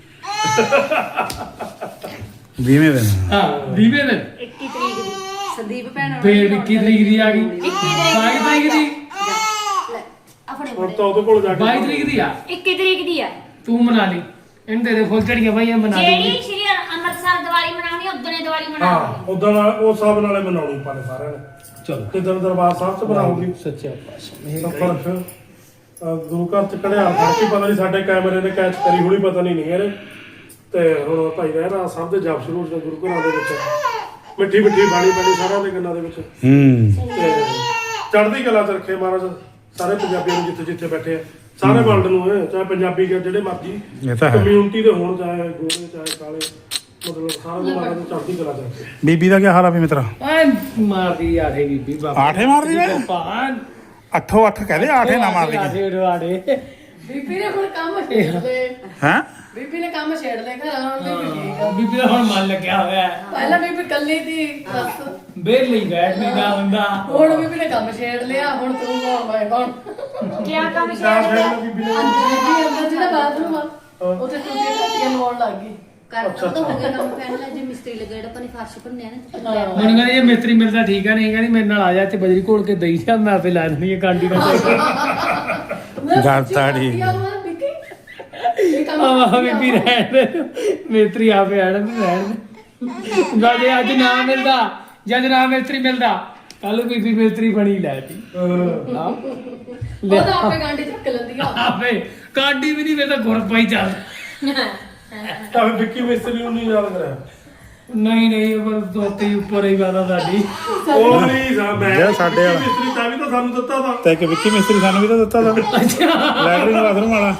20ਵੇਂ ਦਿਨ
ਹਾਂ 20ਵੇਂ ਦਿਨ
21 ਤਰੀਕ ਦੀ
ਸੰਦੀਪ ਭੈਣ
ਫੇਰ 21 ਤਰੀਕ ਦੀ ਆ ਗਈ
21
22 ਤਰੀਕ ਦੀ
ਆਪਣੇ
ਹੁਣ ਤਾਂ ਉਹਦੇ ਕੋਲ ਜਾ ਕੇ
22 ਤਰੀਕ ਦੀ ਆ
21 ਤਰੀਕ ਦੀ ਆ
ਤੂੰ ਮਨਾ ਲਈ ਇਹਨੂੰ ਦੇ ਦੇ ਫੁੱਲ ਝੜੀਆਂ ਭਾਈ ਇਹ ਮਨਾ
ਜਿਹੜੀ
ਲਈ
ਸ਼੍ਰੀ ਅੰਮ੍ਰਿਤਸਰ ਦੀਵਾਲੀ ਮਨਾਉਣੀ ਉਦੋਂ ਦੀਵਾਲੀ
ਹਾਂ
ਮਨਾਉਣੀ
ਉਦੋਂ ਉਹ ਸਭ ਨਾਲੇ ਮਨਾਉਣੀ ਪਾਣੇ ਸਾਰਿਆਂ ਨੇ
ਚਲੋ
ਤੇ ਦਰਬਾਰ ਸਾਹਿਬ ਚ ਬਣਾਉਗੀ
ਸੱਚਾ ਪਾਤਸ਼ਾਹ
ਸਫਰ ਫਿਰ ਗੁਰੂ ਘਰ ਚ ਕੜਿਆ ਫੜਕੀ ਪਤਾ ਨਹੀਂ ਸਾਡੇ ਕੈਮਰੇ ਨੇ ਕੈਚ ਕਰੀ ਹੋਣੀ ਪਤਾ ਨਹੀਂ ਇਹਨੇ ਤੇ ਹੁਣ ਭਾਈ ਰਹਿਣਾ ਸਭ ਦੇ ਜਪ ਸ਼ੁਰੂ ਹੋ ਗੁਰੂ ਘਰਾਂ ਦੇ ਵਿੱਚ ਮਿੱਠੀ ਮਿੱਠੀ ਬਾਣੀ ਪੈਣੀ ਸਾਰਿਆਂ ਦੇ ਕੰਨਾਂ ਦੇ ਵਿੱਚ ਤੇ ਚੜ੍ਹਦੀ ਕਲਾ ਚ ਰੱਖੇ ਮਹਾਰਾਜ ਸਾਰੇ ਪੰਜਾਬੀਆਂ ਨੂੰ ਜਿੱਥੇ ਜਿੱਥੇ ਬੈਠੇ ਆ ਸਾਰੇ ਵਰਲਡ ਨੂੰ ਚਾਹੇ ਪੰਜਾਬੀ ਜਿਹੜੇ ਮਰਜ਼ੀ
ਇਹ ਤਾਂ ਹੈ
ਕਮਿਊਨਿਟੀ ਦੇ ਹੋਣ ਚਾਹੇ ਗੋਰੇ ਚਾਹੇ ਕਾਲੇ ਮਤਲਬ ਸਾਰਾ ਨੂੰ ਮਹਾਰਾਜ ਨੂੰ ਚੜ੍ਹਦੀ ਕਲਾ ਚ ਰੱਖੇ
ਬੀਬੀ ਦਾ ਕੀ ਹਾਲ ਆ ਵੀ ਮਿੱਤਰਾ
ਐ ਮਾਰਦੀ ਆਠੇ ਬੀਬੀ ਬਾਬਾ
ਆਠੇ ਮਾਰਦੀ ਵੇ
ਪਾਣ
ਅੱਠੋ ਅੱਠ ਕਹਦੇ ਆਠੇ ਨਾ ਮਾਰਦੀ
ਆਠੇ ਉਡਵਾੜੇ
ਬੀਬੀ ਨੇ ਹੁਣ ਕੰਮ ਛੇੜ ਲਏ
ਹੈ
ਬੀਬੀ ਨੇ ਕੰਮ ਛੇੜ ਲਏ ਘਰ ਆਉਣ ਦੇ ਵੀ
ਬੀਬੀ ਦਾ ਹੁਣ ਮਨ ਲੱਗਿਆ ਹੋਇਆ ਹੈ।
ਪਹਿਲਾਂ ਬੀਬੀ ਕੱਲੀ ਦੀ ਬਸ
ਬੇਰ ਲਈ ਬੈਠ ਨਹੀਂ ਦਾ ਹੁੰਦਾ
ਹੁਣ ਬੀਬੀ ਨੇ ਕੰਮ ਛੇੜ ਲਿਆ ਹੁਣ ਤੂੰ ਕੌਣ ਮੈਂ ਕੌਣ
ਕਿਆ ਕੰਮ
ਚਾਰ
ਸ਼ੇਰ
ਫੈਨ ਬੀਬੀ ਨੇ
ਬੀਬੀ ਅੰਦਰ ਜਿਹੜਾ ਬਾਥਰੂਮ ਆ ਉੱਥੇ ਟੂਟੀਆਂ ਟੱਟੀਆਂ ਲਵਾਉਣ ਲੱਗ ਗਈ
ਕਰਦਾ ਤਾਂ ਹੋ ਗਿਆ ਕੰਮ ਪਹਿਲਾਂ ਜੇ ਮਿਸਤਰੀ ਲੱਗਾ ਜਿਹੜਾ ਪਾਣੀ ਫਰਸ਼ ਭੰਨਿਆ ਨਾ
ਮੈਨੂੰ ਕਹਿੰਦੇ ਜੇ ਮਿਸਤਰੀ ਮਿਲਦਾ ਠੀਕ ਆ ਨਹੀਂ ਕਹਿੰਦੀ ਮੇਰੇ ਨਾਲ ਆ ਜਾ ਤੇ ਬਜਰੀ ਘੋਲ ਕੇ ਦਈ ਜਾ ਮੈਂ ਆਪੇ ਲਾ ਦਿੰਦੀ ਆ ਕਾਂਡੀ ਨਾਲ
ਗੱਲ ਤਾਂ ਠੀਕ।
ਇਹ ਕੰਮ
ਆਹ ਬੀਬੀ ਰਹਿਣ ਦੇ ਮਿਸਤਰੀ ਆਪੇ ਆਣ ਤੇ ਰਹਿਣ ਦੇ ਜੇ ਅੱਜ ਨਾ ਮਿਲਦਾ ਜਦ ਨਾ ਮਿਸਤਰੀ ਮਿਲਦਾ ਕੱਲ ਬੀਬੀ ਮਿਸਤਰੀ ਬਣੀ ਲੈ ਤੀ ਹਾਂ
ਉਹ ਤਾਂ ਆਪੇ ਗਾਂਡੀ ਚੱਕ ਲੈਂਦੀ ਆ
ਆਪੇ ਕਾਂਡੀ ਵੀ ਨਹੀਂ ਵੇ ਤਾਂ ਗੁਰ ਪਾਈ ਚੱਲ
ਤਾਂ ਵਿੱਕੀ ਮਿਸਤਰੀ ਨੂੰ ਨਹੀਂ ਯਾਦ ਕਰਿਆ
ਨਹੀਂ ਨਹੀਂ ਉਹ ਦੋਤੇ ਉੱਪਰ ਹੀ ਵਾਦਾ ਸਾਡੀ
ਉਹ ਨਹੀਂ ਮੈਂ
ਜਿਹੜਾ ਸਾਡੇ ਵਾਲਾ।
ਮਿਸਤਰੀ ਤਾਂ ਵੀ ਤਾਂ ਸਾਨੂੰ ਦਿੱਤਾ ਤਾਂ
ਤੇ ਇੱਕ ਵਿੱਕੀ ਮਿਸਤਰੀ ਸਾਨੂੰ ਵੀ ਤਾਂ ਦਿੱਤਾ ਦਾ ਲੈਟਰਿੰਗ ਬਾਥਰੂਮ ਵਾਲਾ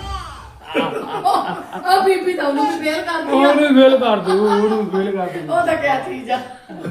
ਆ ਬੀਬੀ ਤਾਂ ਉਹਨੂੰ ਵੀ ਫੇਰ ਕਰਦੀ ਆ
ਉਹਨੂੰ ਫੇਲ ਕਰ ਦੂ ਉਹਨੂੰ ਫੇਲ ਕਰ ਦੂ
ਉਹ ਤਾਂ ਕਿਆ ਚੀਜ਼ ਆ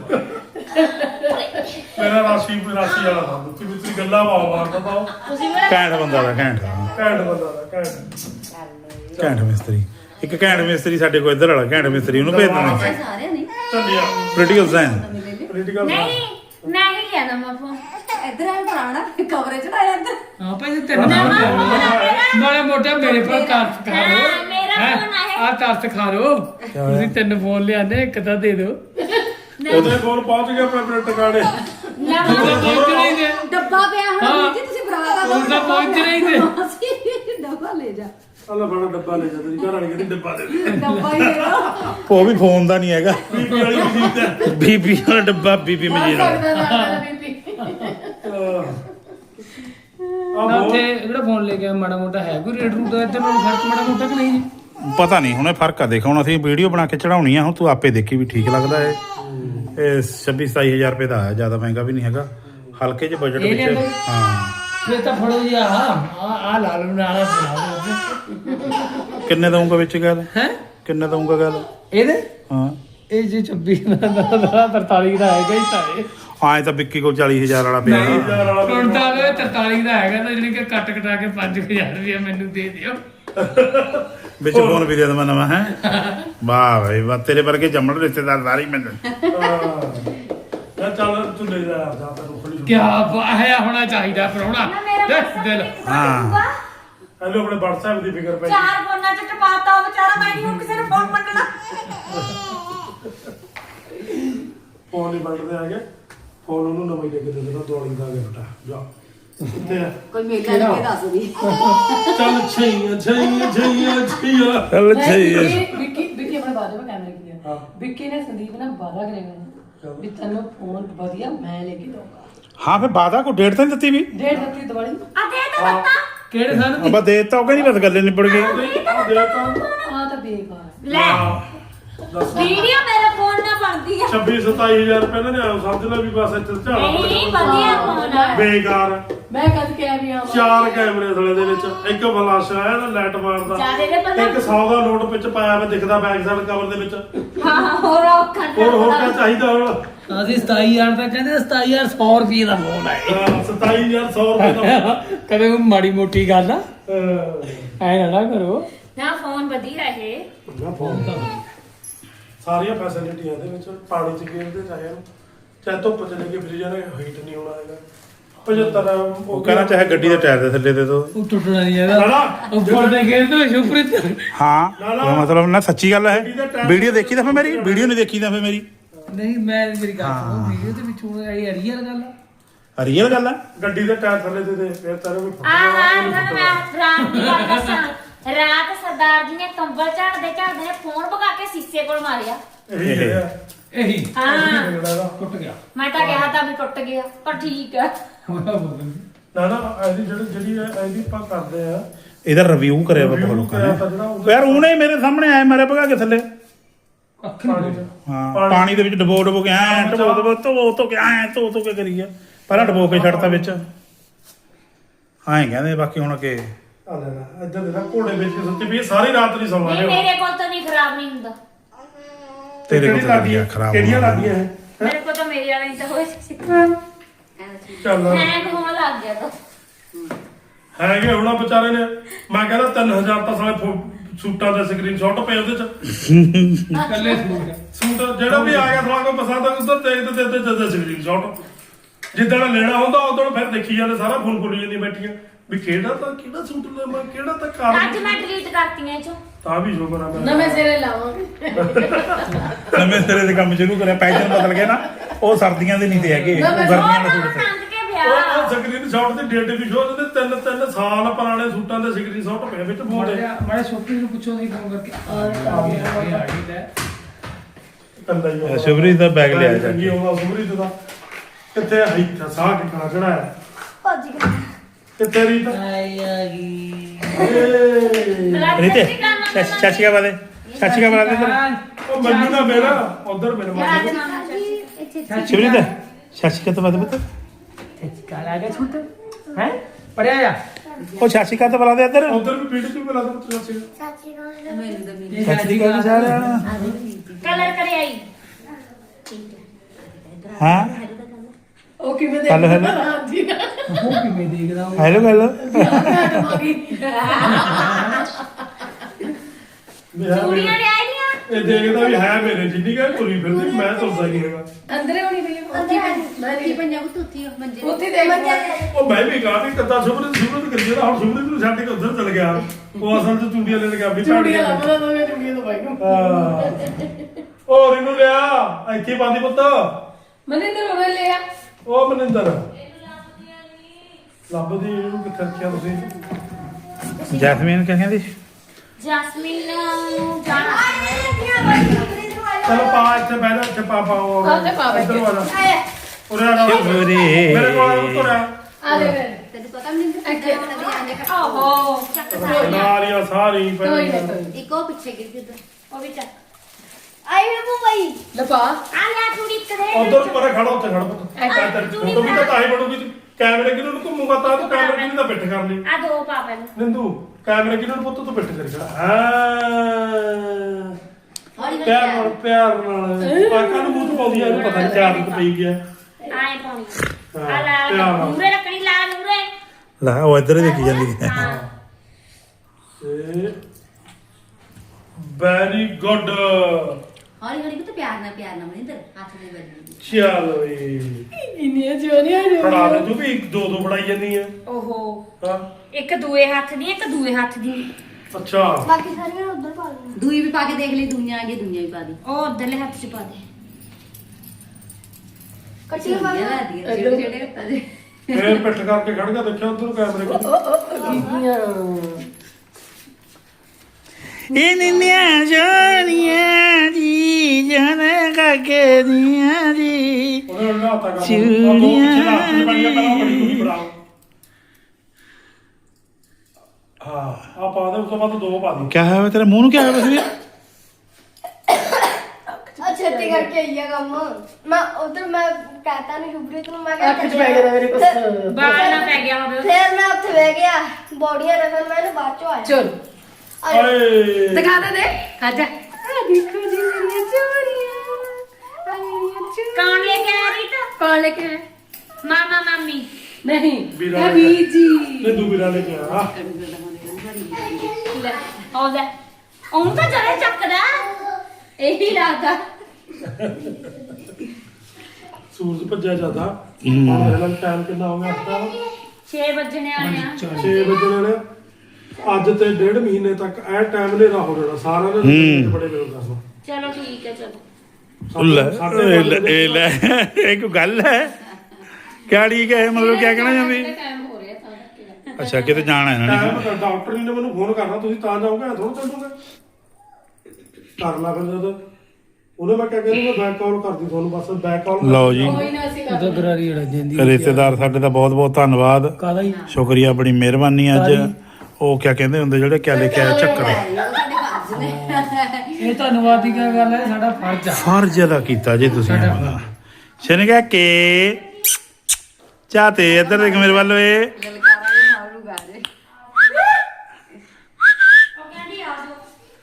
ਮੇਰਾ ਰਾਸ਼ੀ ਵਾਲਾ ਤਾਂ ਵਿੱਕੀ ਮਿਸਤਰੀ ਗੱਲਾਂ ਮਾਰਦਾ ਤਾਂ ਉਹ
ਤੁਸੀਂ ਮੇਰਾ
ਘੈਂਟ ਬੰਦਾ ਦਾ ਘੈਂਟ
ਘੈਂਟ ਬੰਦਾ ਦਾ ਘੈਂਟ
ਘੈਂਟ ਮਿਸਤਰੀ ਇੱਕ ਘੈਂਟ ਮਿਸਤਰੀ ਸਾਡੇ ਕੋਲ ਇੱਧਰ ਵਾਲਾ ਘੈਂਟ ਮਿਸਤਰੀ ਉਹਨੂੰ ਭੇਜ ਦਿੰਦੇ
ਸਾਰਿਆਂ ਨੇ
ਚੱਲਿਆ
ਪੋਲੀਟੀਕਲ ਸਾਇੰਸ
ਪੋਲੀਟੀਕਲ
ਨਹੀਂ ਮੈਂ ਹੀ ਲਿਆ ਨਵਾਂ ਫੋਨ
ਇੱਧਰ ਆ ਪੁਰਾਣਾ ਕਵਰੇ ਚੜਾਇਆ ਇੱਧਰ
ਹਾਂ ਭਾਈ ਤੈਨੂੰ ਮਾੜਾ ਮੋਟਾ ਮੇਰੇ ਪਰ ਤਰਸ ਖਾ ਲੋ
ਹਾਂ, ਮੇਰਾ ਫੋਨ ਆਇਆ।
ਆ ਤਰਸ ਖਾ ਲੋ ਤੁਸੀਂ ਤਿੰਨ ਫੋਨ ਲਿਆਂਦੇ ਇੱਕ ਤਾਂ ਦੇ ਦਿਓ
ਉਹਦੇ ਕੋਲ ਪਹੁੰਚ ਗਿਆ ਆਪਣੇ ਟਿਕਾਣੇ
ਨਵਾਂ
ਉਹਦਾ ਪਹੁੰਚ ਨਹੀਂ ਦੇ
ਡੱਬਾ ਪਿਆ ਹੋਣਾ
ਹਾਂ।
ਵੀਰ ਜੀ ਤੁਸੀਂ ਬਰਾਤ ਦਾ
ਉਹਦਾ ਪਹੁੰਚ ਨਹੀਂ ਦੇ
ਡੱਬਾ ਲੈ ਜਾ
ਅੱਲਾ ਬੜਾ ਡੱਬਾ ਲੈ ਜਾ ਤੇਰੀ ਘਰ ਵਾਲੀ ਕਹਿੰਦੀ ਡੱਬਾ ਦੇ ਦੇ
ਡੱਬਾ ਹੀ ਲੈ ਜਾ
ਉਹ ਵੀ ਫੋਨ ਦਾ ਨਹੀਂ ਹੈਗਾ
ਬੀਬੀ ਵਾਲੀ ਮਜੀਦ ਹੈ
ਬੀਬੀ ਵਾਲਾ ਡੱਬਾ ਬੀਬੀ ਮਜੀਦ ਵਾਲਾ
ਸਕਦਾ ਨਾ ਬੀਬੀ
ਨਾ ਉੱਥੇ ਜਿਹੜਾ ਫੋਨ ਲੈ ਕੇ ਆਇਆ ਮਾੜਾ ਮੋਟਾ ਹੈ ਕੋਈ ਰੇਟ ਰੂਟ ਦਾ ਇੱਧਰ ਨਾਲ ਫਰਕ ਮਾੜਾ ਮੋਟਾ ਕਿ ਨਹੀਂ ਜੀ
ਪਤਾ ਨਹੀਂ ਹੁਣੇ ਫਰਕ ਆ ਦੇਖ ਹੁਣ ਅਸੀਂ ਵੀਡੀਓ ਬਣਾ ਕੇ ਚੜਾਉਣੀ ਆ ਹੁਣ ਤੂੰ ਆਪੇ ਦੇਖੀ ਵੀ ਠੀਕ ਲੱਗਦਾ ਇਹ 26-27 ਰੁਪਏ ਦਾ ਹੈ ਜ਼ਿਆਦਾ ਮਹਿੰਗਾ ਵੀ ਨਹੀਂ ਹੈਗਾ ਹਲਕੇ ਜਿਹੇ ਬਜਟ
ਇਹ
ਵਿੱਚ
ਲੈ ਲਓ।
ਹਾਂ
ਫੇਰ ਤਾਂ ਫੜੋ ਜੀ ਆ ਲਾਲ ਬਣਾਣਾ ਬਣਾ
ਕਿੰਨੇ ਦਊਂਗਾ ਵਿੱਚ ਗੱਲ
ਹੈ
ਕਿੰਨੇ ਦਊਂਗਾ ਗੱਲ
ਇਹਦੇ
ਹਾਂ
ਇਹ ਜੀ 26 ਦਾ 43 ਦਾ ਹੈਗਾ ਹੀ ਤਾਂ ਇਹ
ਆਏ ਤਾਂ ਵਿੱਕੀ ਕੋਲ 40,000 ਵਾਲਾ ਪਿਆ
ਹੁਣ ਤਾਂ ਇਹ 43 ਦਾ ਹੈਗਾ ਤਾਂ ਜਿਹੜੀ ਕਿ ਕੱਟ ਕਟਾ ਕੇ 5000 ਰੁਪਏ ਮੈਨੂੰ ਦੇ ਦਿਓ
ਵਿੱਚ ਫੋਨ ਵੀ ਦੇ ਦਵਾਂ ਨਵਾਂ ਹੈ ਵਾਹ ਭਾਈ ਵਾਹ ਤੇਰੇ ਵਰਗੇ ਜੰਮਣ ਰਿਸ਼ਤੇਦਾਰ ਸਾਰੇ ਹੀ ਮਿਲਣ
ਯਾਰ ਚੱਲ ਤੂੰ ਲੈ ਜਾ ਯਾਰ, ਜਾ ਤੈਨੂੰ ਖੁੱਲੀ
ਕਿਆ ਹੈ ਹੋਣਾ ਚਾਹੀਦਾ ਪ੍ਰਾਹੁਣਾ
ਨਾ ਮੇਰਾ
ਦੇਖ ਦਿਲ
ਹਾਂ।
ਹੈਲੋ ਆਪਣੇ WhatsApp ਦੀ ਫਿਕਰ ਪੈ
ਚਾਰ ਫੋਨਾਂ ਚ ਟਪਾਤਾ ਉਹ ਵਿਚਾਰਾ ਮੈਂ ਨਹੀਂ ਹੁਣ ਕਿਸੇ ਨੂੰ ਫੋਨ ਮੰਗਣਾ
ਫੋਨ ਨਹੀਂ ਵੰਡਦੇ ਆਗੇ ਫੋਨ ਉਹਨੂੰ ਨਵਾਂ ਹੀ ਲੈ ਕੇ ਦੇ ਦੇਣਾ ਦਿਵਾਲੀ ਦਾ ਗਿਫਟ ਆ ਜਾ ਕਿੱਥੇ ਆ
ਕੋਈ ਮੇਲਾ ਲੈ ਕੇ ਦੱਸ ਦੀ
ਚੱਲ ਛਈਆਂ ਛਈਆਂ ਛਈਆਂ ਛਈਆਂ
ਚੱਲ
ਵਿੱਕੀ ਆਪਣੇ ਬਾਰੇ ਮੈਂ ਕੈਮਰੇ ਕੀ
ਹਾਂ।
ਆ ਵਿੱਕੀ ਨੇ ਸੰਦੀਪ ਨਾਲ ਵਾਦਾ ਕਰਿਆ ਵੀ ਤੈਨੂੰ ਫੋਨ ਵਧੀਆ ਮੈਂ ਲੈ ਕੇ ਦਊਂਗਾ
ਹਾਂ ਫਿਰ ਵਾਦਾ ਕੋ ਡੇਟ ਤਾਂ ਨਹੀਂ ਦਿੱਤੀ ਵੀ
ਡੇਢ ਦਿੱਤੀ ਦਿਵਾਲੀ ਨੂੰ
ਆ ਦੇ ਤਾਂ ਬੱਤਾ
ਕਿਹੜੇ ਸਾਨੂੰ
ਆਪਾਂ ਦੇ ਦਿੱਤਾ ਉਹ ਕਹਿੰਦੀ ਬਸ ਗੱਲੇ ਨਿਬੜ ਗਈ
ਆ ਤਾਂ ਬੇਕਾਰ ਹੈ।
ਲੈ ਵੀਡੀਓ ਮੇਰੇ ਫੋਨ ਨਾਲ ਬਣਦੀ ਆ
26-27 ਰੁਪਏ ਨਾ ਆਉ ਸਮਝ ਲੈ ਵੀ ਬਸ ਇੱਥੇ ਝਾੜਾ
ਨਹੀਂ ਵਧੀਆ ਫੋਨ ਆ
ਬੇਕਾਰ
ਮੈਂ ਕਦ ਕਿਹਾ ਵੀ ਆ
ਚਾਰ ਕੈਮਰੇ ਥਲੇ ਦੇ ਵਿੱਚ ਇੱਕ ਫਲਾਸ਼ ਹੈ ਨਾ ਲਾਈਟ ਮਾਰਦਾ
ਜਿਆਦੇ ਦੇ ਪਤਾ
ਇੱਕ 100 ਦਾ ਨੋਟ ਵਿੱਚ ਪਾਇਆ ਵਾ ਦਿਖਦਾ ਬੈਕ ਸਾਈਡ ਕਵਰ ਦੇ ਵਿੱਚ
ਹਾਂ ਹੋਰ ਔਖਾ
ਹੋਰ ਕਿਆ ਚਾਹੀਦਾ ਹੁਣ
ਅਸੀਂ 27000 ਦਾ ਕਹਿੰਦੇ 27100 ਰੁਪਏ ਦਾ ਫੋਨ ਹੈ
27100 ਰੁਪਏ ਦਾ
ਕਦੇ ਕੋਈ ਮਾੜੀ ਮੋਟੀ ਗੱਲ ਆ ਐ ਨਾ ਕਰੋ
ਨਾ ਫੋਨ ਵਧੀਆ ਇਹ
ਨਾ ਫੋਨ ਤਾਂ ਸਾਰੀਆਂ ਫੈਸਿਲਿਟੀਆਂ ਦੇ ਵਿੱਚ ਪਾਣੀ ਚ ਗੇਰਦੇ ਚਾਹੇ ਇਹਨੂੰ ਚਾਹੇ ਧੁੱਪ ਚ ਲੈ ਕੇ ਫ੍ਰਿਜ ਨਾਲ ਹੀਟ ਨਹੀਂ ਹੋਣਾ ਹੈਗਾ 75
ਉਹ ਕਹਿੰਦਾ ਚਾਹੇ ਗੱਡੀ ਦੇ ਟਾਇਰ ਦੇ ਥੱਲੇ ਦੇ ਦੋ।
ਉਹ ਟੁੱਟਣਾ ਨਹੀਂ
ਨਾ
ਹੈਗਾ
ਨਾ
ਉੱਪਰ ਦੇ ਗੇਰ ਤੇ ਸ਼ੁਭਪ੍ਰੀਤ
ਹਾਂ
ਨਾ, ਨਾ।
ਉਹ ਮਤਲਬ ਨਾ ਸੱਚੀ ਗੱਲ ਹੈ।
ਗੱਡੀ ਦਾ ਟਾਇਰ-
ਵੀਡੀਓ ਦੇਖੀ ਤਾਂ ਫੇ ਮੇਰੀ ਵੀਡੀਓ ਨਹੀਂ ਦੇਖੀ ਤਾਂ ਫੇ ਮੇਰੀ
ਨਹੀਂ ਮੈਂ ਮੇਰੀ ਗੱਲ ਸੁਣੋ ਵੀਡੀਓ ਦੇ ਵਿੱਚੋਂ ਆਈ ਰੀਅਲ ਗੱਲ ਆ
ਰੀਅਲ ਗੱਲ ਹੈ।
ਗੱਡੀ ਦੇ ਟਾਇਰ ਥੱਲੇ ਦੇ ਫਿਰ ਤਾਰੇ ਕੋਈ
ਤੁਹਾਨੂੰ ਮੈਂ ਰਾਤ ਦੀ ਗੱਲ ਦੱਸਾਂ। ਰਾਤ ਸਰਦਾਰ ਜੀ ਨੇ ਕੰਬਲ ਝਾੜਦੇ ਝਾੜਦੇ ਨੇ ਫੋਨ ਭਗਾ ਕੇ ਸੀਸੇ ਕੋਲ ਮਾਰਿਆ।
ਇਹੀ ਹੈ
ਇਹੀ
ਹਾਂ
ਟੁੱਟ ਗਿਆ
ਮੈਂ ਤਾਂ ਕਿਹਾ ਤਾਂ ਵੀ ਟੁੱਟ ਗਿਆ ਪਰ ਠੀਕ ਆ।
ਹੋਇਆ ਬੋਲ
ਨਾ ਨਾ ਇਹਦੀ ਜਿਹੜੀ ਇਹਦੀ ਆਪਾਂ ਕਰਦੇ ਆ
ਇਹਦਾ ਰਿਵਿਊ ਕਰਿਆ ਵਾ ਬਹੁਤ
Review
ਲੋਕਾਂ
ਕਰਿਆ ਤਾਂ
ਨੇ।
ਜਿਹੜਾ ਉਹਦਾ-
ਯਾਰ ਉਹਨੇ ਮੇਰੇ ਸਾਹਮਣੇ ਆਏ ਮਾਰੇ ਭਗਾ ਕੇ ਥੱਲੇ।
ਅੱਖ ਨਹੀਂ
ਪਾਣੀ
ਖੋਲ੍ਹੀ।
ਚ
ਹਾਂ ਪਾਣੀ ਦੇ ਵਿੱਚ ਡਬੋ ਕੇ ਐ ਧੋ ਕੇ ਐ ਧੋ ਕੇ ਕਰੀ ਗਿਆ। ਪਹਿਲਾਂ ਡਬੋ ਕੇ ਛੱਡਤਾ ਵਿੱਚ ਐਂ ਕਹਿੰਦੇ ਬਾਕੀ ਹੁਣ ਕਿ
ਆ ਲੈ ਲੈ ਇੱਧਰ ਦੇ ਨਾ ਘੋੜੇ ਵਿੱਚ ਸੁੱਤੀ ਵੀ ਸਾਰੀ ਰਾਤ ਨਹੀਂ ਸੌਣਾ
ਨਹੀਂ ਮੇਰੇ ਕੋਲ ਤਾਂ ਨਹੀਂ ਖਰਾਬ ਨਹੀਂ ਹੁੰਦਾ।
ਤੇਰੇ ਕੋਲ ਤਾਂ ਲੱਗਿਆ ਖਰਾਬ
ਕਿਹੜੀਆਂ
ਹੋਣਾ।
ਲੱਗੀਆਂ ਇਹ?
ਮੇਰੇ ਕੋਲ ਤਾਂ ਮੇਰੇ ਵਾਲੇ ਨਹੀਂ ਤਾਂ ਹੋਏ ਸੀ।
ਚੱਲ
ਹੈਂਗ ਹੋਣ ਲੱਗ ਗਿਆ ਤਾਂ।
ਹੈਗੇ ਹੁਣ ਵਿਚਾਰੇ ਨੇ ਮੈਂ ਕਹਿੰਦਾ 3000 ਤਾਂ ਸਾਲੇ ਸੂਟਾਂ ਦੇ ਸਕਰੀਨਸ਼ਾਟ ਪਏ ਉਹਦੇ ਚ
ਇਕੱਲੇ ਸੂਟ ਆ।
ਸੂਟ ਜਿਹੜਾ ਵੀ ਆ ਗਿਆ ਸਾਲਾ ਕੋਈ ਪਸੰਦ ਆ ਉਧਰ ਦੇਖਦੇ ਤੇ ਸਕਰੀਨਸ਼ਾਟ ਜਿੱਦਣ ਲੈਣਾ ਹੁੰਦਾ ਉਦੋਂ ਫਿਰ ਦੇਖੀ ਜਾਂਦੇ ਸਾਰਾ ਫੋਨ ਖੁੱਲੀ ਜਾਂਦੀ ਬੈਠੀਆਂ ਵੀ ਕਿਹੜਾ ਸੂਟ ਲੈਵਾਂ ਕਿਹੜਾ ਤਾਂ
ਅੱਜ ਮੈਂ ਡਿਲੀਟ ਕਰਤੀਆਂ ਇਹ ਚੋਂ।
ਤਾਂ ਵੀ ਸ਼ੁਕਰ ਆ ਮੈਂ
ਨਵੇਂ ਸਿਰੇ ਲਾਵਾਂਗੇ
ਨਵੇਂ ਸਿਰੇ ਦੇ ਕੰਮ ਸ਼ੁਰੂ ਕਰਿਆ ਪੈਸ਼ਨ ਬਦਲ ਗਏ ਨਾ। ਉਹ ਸਰਦੀਆਂ ਦੇ ਨਹੀਂ ਤੇ ਹੈਗੇ ਉਹ
ਉਹ
ਗਰਮੀਆਂ ਦੇ
ਤਾਂ
ਸੂਟ ਤੇ।
ਮੰਗ ਕੇ
ਉਹ
ਵਿਆਹ।
ਸਕਰੀਨਸ਼ਾਟ ਤੇ ਡੇਟ ਵੀ ਸ਼ੋ ਦਿੰਦੇ 3 ਸਾਲ ਪੁਰਾਣੇ ਸੂਟਾਂ ਦੇ ਸਕਰੀਨਸ਼ਾਟ ਪਏ ਵਿੱਚ ਬੋਲਦੇ
ਮੈਂ ਸ਼ੁਭਪ੍ਰੀਤ ਨੂੰ ਪੁੱਛੋ ਨਹੀਂ ਫੋਨ ਕਰਕੇ ਆ ਗਿਆ
ਕੰਦਾ ਹੀ ਹੋਣਾ।
ਸ਼ੁਭਰੀਤ ਦਾ ਬੈਗ ਲਿਆ ਜਾ
ਚੰਗੀ
ਕੇ।
ਆਉਂਦਾ ਸ਼ੁਭਰੀਤ ਦਾ ਕਿੱਥੇ ਰੀਤ ਸਾਹ ਕਿੱਥਾ ਚੜਾਇਆ ਕਿੱਥੇ ਰੀਤ
ਆਈ ਆ ਗਈ
ਰੀਤੇ ਚਾਚੀ ਕਾ ਬਾਦੇ ਚਾਚੀ ਕਾ ਬਾਦੇ
ਉਹ ਮੈਨੂੰ ਨਾ ਮੇਰਾ ਉਧਰ ਮੇਰੇ ਮਾਮੇ
ਸ਼ੁਭਰੀਤ ਚਾਚੀ ਕਾ ਤਾਂ ਬਾਦੇ ਪੁੱਤ
ਕਾਲ ਆ ਗਿਆ ਛੁੱਟ ਹੈ ਪੜਿਆ ਜਾ
ਉਹ ਚਾਚੀ ਕਾ ਤਾਂ ਬੁਲਾ ਦੇ ਇੱਧਰ
ਉਧਰ ਵੀ ਵੀਡੀਓ ਚ ਮਿਲਾ ਦੋ ਤੁਸੀਂ
ਚਾਚੀ ਕਾ ਵੀ ਸਾਰਿਆਂ
ਕਲਰ ਕਰੇ ਆਈ।
ਹਾਂ
ਉਹ ਕਿਵੇਂ
ਹੈਲੋ,
ਦੇਖਦਾ
ਹੈਲੋ।
ਹਾਂਜੀ ਨਾ
ਉਹ ਕਿਵੇਂ ਦੇਖਦਾ ਉਹ
ਹੈਲੋ ਗੱਲ
ਚੂੜੀਆਂ ਲਿਆਈ ਦੀਆਂ।
ਇਹ ਦੇਖਦਾ ਵੀ ਹੈ ਮੇਰੇ ਜਿੰਨੀ ਕਾ ਤੁਰੀ ਫਿਰਦੀ ਮੈਂ ਤੁਰਦਾ ਨਹੀਂ ਹੈਗਾ
ਅੰਦਰੇ ਹੋਣੀ ਪਈ
ਕੀ ਪੰਜਾਬ ਤੁੱਤੀ ਮੰਜੇ
ਉੱਥੇ ਦੇਖ
ਉਹ ਮੈਂ ਵੀ ਕਹਾ ਵੀ ਕੱਦਾ ਸ਼ੁਭਰੀਤ ਕਰੀ ਜਾਂਦਾ ਹੁਣ ਸ਼ੁਭਰੀਤ ਨੂੰ ਛੱਡ ਕੇ ਉਧਰ ਚਲ ਗਿਆ ਉਹ ਅਸਲ ਚ ਚੂੜੀਆਂ ਲੈਣ ਗਿਆ ਵੀ
ਚੂੜੀਆਂ ਲੱਭਦਾ ਤਾਂ ਮੈਂ ਚੂੜੀਆਂ ਤੋਂ ਬਾਈ ਨੂੰ
ਉਹ ਰਿਨੂ ਲਿਆ ਇੱਥੇ ਪਾਦੀ ਪੁੱਤ
ਮਨਿੰਦਰ ਹੋਵੇ ਲਿਆ
ਉਹ ਮਨਿੰਦਰ ਲੱਭਦੀ ਇਹਨੂੰ ਕਿੱਥੇ ਰੱਖਿਆ ਤੁਸੀਂ
ਜੈਸਮੀਨ ਕਿਹ ਕਹਿੰਦੀ
ਜੈਸਮੀਨ ਨੂੰ ਜਾਣਾ।
ਚਲੋ ਪਾ ਇੱਥੇ ਬਹਿ ਜਾ ਇੱਥੇ ਪਾ
ਉੱਥੇ ਪਾ ਬਹਿ
ਇੱਧਰ ਆ ਜਾ ਉਰੇ ਆ ਜਾ
ਸ਼ੁਭਰੀ
ਮੇਰੇ ਕੋਲ ਤੁਰਿਆ
ਆ ਦੇ ਵੇ
ਤੈਨੂੰ ਪਤਾ ਨਹੀਂ
ਅੱਗੇ।
ਓਹੋ ਚੱਕ ਸਾਰੀਆਂ।
ਨਾਲੀਆਂ ਸਾਰੀ
ਕੋਈ
ਪਹਿਲਾਂ
ਨਹੀਂ ਕੋਈ
ਇੱਕ ਉਹ ਪਿੱਛੇ ਗਿਰ ਗਈ ਉਧਰ
ਉਹ ਵੀ ਚੱਕ।
ਆਈ ਵੇ ਮੁੰਬਈ
ਲਪਾ
ਆ ਲੈ ਚੂੜੀ ਕਰੇ।
ਉਧਰ ਪਰ ਖੜਾ ਉੱਥੇ ਖੜ ਪੁੱਤ ਫੋਟੋ ਵੀ ਤਾਂ ਹੀ ਬਣੂਗੀ ਤੂੰ ਕੈਮਰੇ ਕਿਹਨੂੰ ਘੁੰਮੂਗਾ ਤਾਂ ਤੂੰ ਕੈਮਰੇ ਕਿਹਨੂੰ ਤਾਂ ਪਿੱਠ ਕਰ ਲਈ
ਆ ਦੋ ਪਾ ਪਹਿਲਾਂ।
ਨਿੰਦੂ ਕੈਮਰੇ ਕਿਹਨੂੰ ਪੁੱਤ ਤੂੰ ਪਿੱਠ ਕਰੀ ਖੜਾ ਹਾਂ
ਹੌਲੀ
ਪਿਆਰ ਨਾਲ ਪਾਕਾ ਨੂੰ ਮੂੰਹ ਤੋਂ ਪਾਉਂਦੀ ਆ ਇਹਨੂੰ ਪਤਾ ਨਹੀਂ ਚਾਰ ਨੂੰ ਪਈ ਗਿਆ
ਆਏ ਪਾਉਣੀ। ਆ
ਹਾਂ,
ਲਾ
ਪਿਆਰ ਨਾਲ।
ਮੂਰੇ ਰੱਖਣੀ ਲਾ ਮੂਰੇ।
ਲੈ ਉਹ ਇੱਧਰ ਹੀ ਦੇਖੀ ਜਾਂਦੀ ਹੈ
ਹਾਂ
ਤੇ ਵੈਰੀ ਗੁੱਡ
ਹੌਲੀ ਹੌਲੀ ਵੀ ਤਾਂ ਪਿਆਰ ਨਾਲ ਮਨਿੰਦਰ ਹੱਥ ਦੇ ਵੱਜਦੀ
ਚਲੋ ਏ
ਇੰਨੀਆਂ ਜਵਾਨੀਆਂ ਨੇ
ਫੜਾ ਦੇ ਤੂੰ ਵੀ ਦੋ ਦੋ ਬਣਾਈ ਜਾਂਦੀ ਆ
ਓਹੋ
ਹਾਂ
ਇੱਕ ਦੂਏ ਹੱਥ ਦੀ ਇੱਕ ਦੂਏ ਹੱਥ ਦੀ।
ਅੱਛਾ
ਬਾਕੀ ਸਾਰੀਆਂ ਉਧਰ ਪਾ ਲਈ ਦੂਈ ਵੀ ਪਾ ਕੇ ਦੇਖ ਲਈ ਦੁਨੀਆ ਆ ਗਈ ਦੁਨੀਆ ਵੀ ਪਾ ਦੀ
ਉਹ ਉਧਰਲੇ ਹੱਥ 'ਚ ਪਾ ਦੇ।
ਕੱਟੀ ਪਾ ਦੀ ਜਿਹੜੇ ਹੱਥਾਂ ਦੇ
ਫੇਰ ਪਿੱਠ ਕਰਕੇ ਖੜ ਗਿਆ ਦੇਖਿਆ ਉਧਰ ਕੈਮਰੇ ਕੋਲ
ਇਹ ਨਿੰਨਿਆ ਜਾਨੀਆਂ ਜੀ ਜਾਣੇ ਕਾਕੇ ਦੀਆਂ ਜੀ
ਉਹਨੇ ਉਹਨਾਂ ਹੱਥਾਂ ਕਰ ਉਹ ਦੋ ਪਿੱਛੇ ਦਾ ਹੱਥ ਬਣ ਗਿਆ ਪਹਿਲਾਂ ਬੜੀ ਕੁੜੀ ਬਣਾਓ ਹਾਂ ਆ ਪਾ ਦੇ ਉਸ ਤੋਂ ਬਾਅਦ ਦੋ ਪਾ ਦੇ
ਕੀ ਹੋਇਆ ਤੇਰੇ ਮੂੰਹ ਨੂੰ ਕੀ ਹੋਇਆ ਬਸਵੀਰ
ਛੇਤੀ ਕਰਕੇ ਆਈਆ ਕੰਮ ਮੈਂ ਉਧਰ ਮੈਂ ਕਹਤਾ ਨਹੀਂ ਸ਼ੁਭਰੀਤ ਨੂੰ ਮੈਂ
ਅੱਖ ਚ ਪੈ ਗਿਆ ਮੇਰੇ ਕੋਲ
ਬਾਲ ਨਾ ਪੈ ਗਿਆ ਹੋਵੇ।
ਫਿਰ ਮੈਂ ਉੱਥੇ ਬਹਿ ਗਿਆ ਬੋੜੀਆਂ ਦੇ ਫਿਰ ਮੈਂ ਇਹਨੂੰ ਬਾਅਦ ਚੋਂ ਆਇਆ
ਚਲ
ਓਏ
ਦਿਖਾ ਦੇ ਖਾਜਾ
ਆ ਦੇਖੋ ਜੀ ਮੇਰੀਆਂ ਚੋਰੀਆਂ ਆ ਮੇਰੀਆਂ ਚੋਰੀਆਂ
ਕੌਣ ਲੈ ਕੇ ਆ ਰਹੀ ਤਾਂ
ਕੌਣ ਲੈ ਕੇ ਆਇਆ?
ਮਾਮਾ ਮਾਮੀ।
ਨਹੀਂ
ਵੀਰਾ
ਇਹ ਵੀਰ ਜੀ
ਨਿੰਦੂ ਵੀਰਾ ਲੈ ਕੇ ਆ
ਲੈ ਹੋ ਜਾ ਉਹਨੂੰ ਤਾਂ ਜਰੇ ਚੱਕਦਾ ਇਹੀ ਲੱਗਦਾ।
ਸੂਰਜ ਭੱਜਿਆ ਜਾਂਦਾ ਹੁਣ ਟਾਈਮ ਕਿੰਨਾ ਹੋ ਗਿਆ ਆਪਣਾ
6 ਵਜਣੇ ਵਾਲੇ ਆ
6 ਵਜੇ ਨੇ ਅੱਜ ਤੇ 1.5 ਮਹੀਨੇ ਤੱਕ ਇਹ ਟਾਈਮ ਹਨੇਰਾ ਹੋ ਜਾਣਾ ਸਾਰਿਆਂ ਨੇ ਬੜੇ ਬੇਰੋਜ਼ਗਾਰ ਕਰਨਾ
ਚਲੋ ਠੀਕ ਹੈ ਚਲੋ
ਇਹ ਲੈ ਇਹ ਕੋਈ ਗੱਲ ਹੈ ਕਿਆ ਠੀਕ ਹੈ ਮਤਲਬ ਕਿਆ ਕਹਿਣਾ ਚਾਹੁੰਦੀ
ਟਾਈਮ ਹੋ ਰਿਹਾ ਤਾਂ ਕਰਕੇ
ਅੱਛਾ ਕਿਤੇ ਜਾਣਾ ਇਹਨਾਂ ਨੇ
ਟਾਈਮ ਡਾਕਟਰ ਨੇ ਮੈਨੂੰ ਫੋਨ ਕਰਨਾ ਤੁਸੀਂ ਤਾਂ ਜਾਓਗੇ ਥੋੜਾ ਚੱਲੂਗੇ ਕਰ ਲਾ ਫਿਰ ਜਦ ਉਹਨੇ ਮੈਂ ਕਿਹਾ ਕਹਿੰਦਾ ਮੈਂ ਬੈਕ ਕਾਲ ਕਰਦੀ ਤੁਹਾਨੂੰ ਬਸ ਬੈਕ ਕਾਲ
ਲਓ ਜੀ
ਕੋਈ ਨਾ ਅਸੀਂ
ਉਹਦਾ ਗਰਾਰੀ ਅੜ ਜਾਂਦੀ
ਰਿਸ਼ਤੇਦਾਰ ਸਾਡੇ ਦਾ ਬਹੁਤ ਬਹੁਤ ਧੰਨਵਾਦ
ਕਾਹਦਾ ਹੀ
ਸ਼ੁਕਰੀਆ ਬੜੀ ਮਿਹਰਬਾਨੀ ਅੱਜ ਉਹ ਕਿਆ ਕਹਿੰਦੇ ਹੁੰਦੇ ਜਿਹੜੇ ਕਿਆ ਲੈ ਕੇ ਆਇਆ ਝੱਕੜ
ਸਾਡੇ ਫਰਜ਼ ਨੇ
ਇਹ ਧੰਨਵਾਦ ਦੀ ਕਿਆ ਗੱਲ ਹੈ ਸਾਡਾ ਫਰਜ਼ ਆ
ਫਰਜ਼ ਅਦਾ ਕੀਤਾ ਜੀ ਤੁਸੀਂ ਆਪਣਾ ਸ਼ਨੇ ਕਿਹਾ ਕਿ ਚਾਹਤੇ ਇੱਧਰ ਦੇਖ ਮੇਰੇ ਵੱਲ ਓਏ
ਗਲਕਾਰਾ ਇਹ ਮਾਰੂ ਗਾ ਜੇ
ਉਹ ਕਹਿੰਦੀ ਆ ਜਾਓ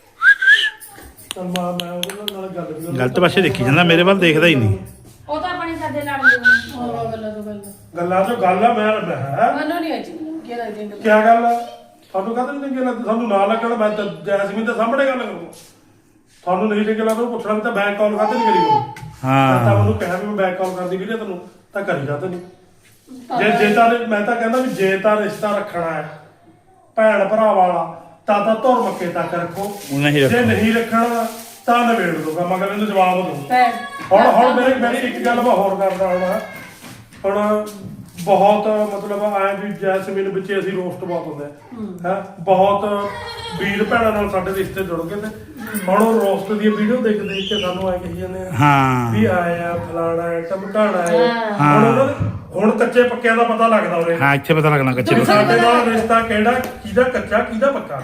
ਚੱਲ ਮੈਂ ਉਹਦੇ ਨਾਲ ਗੱਲ ਵੀ
ਗਲਤ ਪਾਸੇ ਦੇਖੀ ਜਾਂਦਾ ਮੇਰੇ ਵੱਲ ਦੇਖਦਾ ਹੀ ਨਹੀਂ
ਉਹ ਤਾਂ ਆਪਣੇ ਸਾਡੇ ਲੜਦੇ ਹੋਣੇ
ਉਹ ਗੱਲਾਂ ਤੋਂ ਗੱਲ
ਗੱਲਾਂ ਚੋਂ ਗੱਲ ਆ ਮੈਂ ਹੈ
ਮੈਨੂੰ ਨਹੀਂ ਆਈ ਕੀ ਲੱਗਦੀ ਗੱਲ
ਕਿਆ ਗੱਲ ਆ ਤੁਹਾਨੂੰ ਕਹਤੇ ਨਹੀਂ ਚੰਗੇ ਲੱਗਦੇ ਸਾਨੂੰ ਨਾ ਲੱਗਣ ਮੈਂ ਤਾਂ ਜੈਸਮੀਨ ਦੇ ਸਾਹਮਣੇ ਗੱਲ ਕਰੂੰਗਾ ਤੁਹਾਨੂੰ ਨਹੀਂ ਚੰਗੇ ਲੱਗਦਾ ਉਹ ਪੁੱਛਣਾ ਵੀ ਤਾਂ ਬੈਕ ਕਾਲ ਕਾਹਤੇ ਨਹੀਂ ਕਰੀ ਹੋਣੀ
ਹਾਂ
ਤਾਂ ਉਹਨੂੰ ਕਿਹਾ ਵੀ ਮੈਂ ਬੈਕ ਕਾਲ ਕਰਦੀ ਵੀਰੇ ਤੈਨੂੰ ਤਾਂ ਕਰੀ ਜਾਂਦੇ ਨਹੀਂ ਜੇ ਤਾਂ ਮੈਂ ਤਾਂ ਕਹਿੰਦਾ ਵੀ ਜੇ ਤਾਂ ਰਿਸ਼ਤਾ ਰੱਖਣਾ ਹੈ ਭੈਣ ਭਰਾ ਵਾਲਾ ਤਾਂ ਧੁਰ ਮੱਕੇ ਤੱਕ ਰੱਖੋ
ਨਹੀਂ
ਜੇ
ਰੱਖਣਾ
ਨਹੀਂ ਰੱਖਣਾ ਤਾਂ ਨਵੇੜ ਦੋ ਮਗਰ ਇਹਨੂੰ ਜਵਾਬ ਦੋ
ਭੈਣ
ਹੁਣ ਮੇਰੀ ਇੱਕ ਗੱਲ ਮੈਂ ਹੋਰ ਕਰਦਾ ਹੁਣ ਬਹੁਤ ਮਤਲਬ ਆਇਆ ਵੀ ਜੈਸਮੀਨ ਵਿੱਚ ਅਸੀਂ ਰੋਸਟ ਬਹੁਤ ਹੁੰਦੇ ਹੈ ਬਹੁਤ ਵੀਰ ਭੈਣਾਂ ਨਾਲ ਸਾਡੇ ਰਿਸ਼ਤੇ ਜੁੜ ਗਏ ਤੇ ਹੁਣ ਉਹ ਰੋਸਟ ਦੀ ਵੀਡੀਓ ਦੇਖ ਕੇ ਸਾਨੂੰ ਆਏ ਕਹੀ ਜਾਂਦੇ ਆ
ਹਾਂ
ਵੀ ਆਇਆ ਫਲਾਣਾ ਹੈ ਟਮਕਾਣਾ ਹੈ ਹੁਣ ਕੱਚੇ ਪੱਕਿਆਂ ਦਾ ਪਤਾ ਲੱਗਦਾ ਉਰੇ
ਹਾਂ ਇੱਥੇ ਪਤਾ ਲੱਗਣਾ ਕੱਚੇ
ਵੀ ਸਾਡੇ ਨਾਲ ਰਿਸ਼ਤਾ ਕਿਹੜਾ ਕਿਹਦਾ ਕੱਚਾ ਕਿਹਦਾ ਪੱਕਾ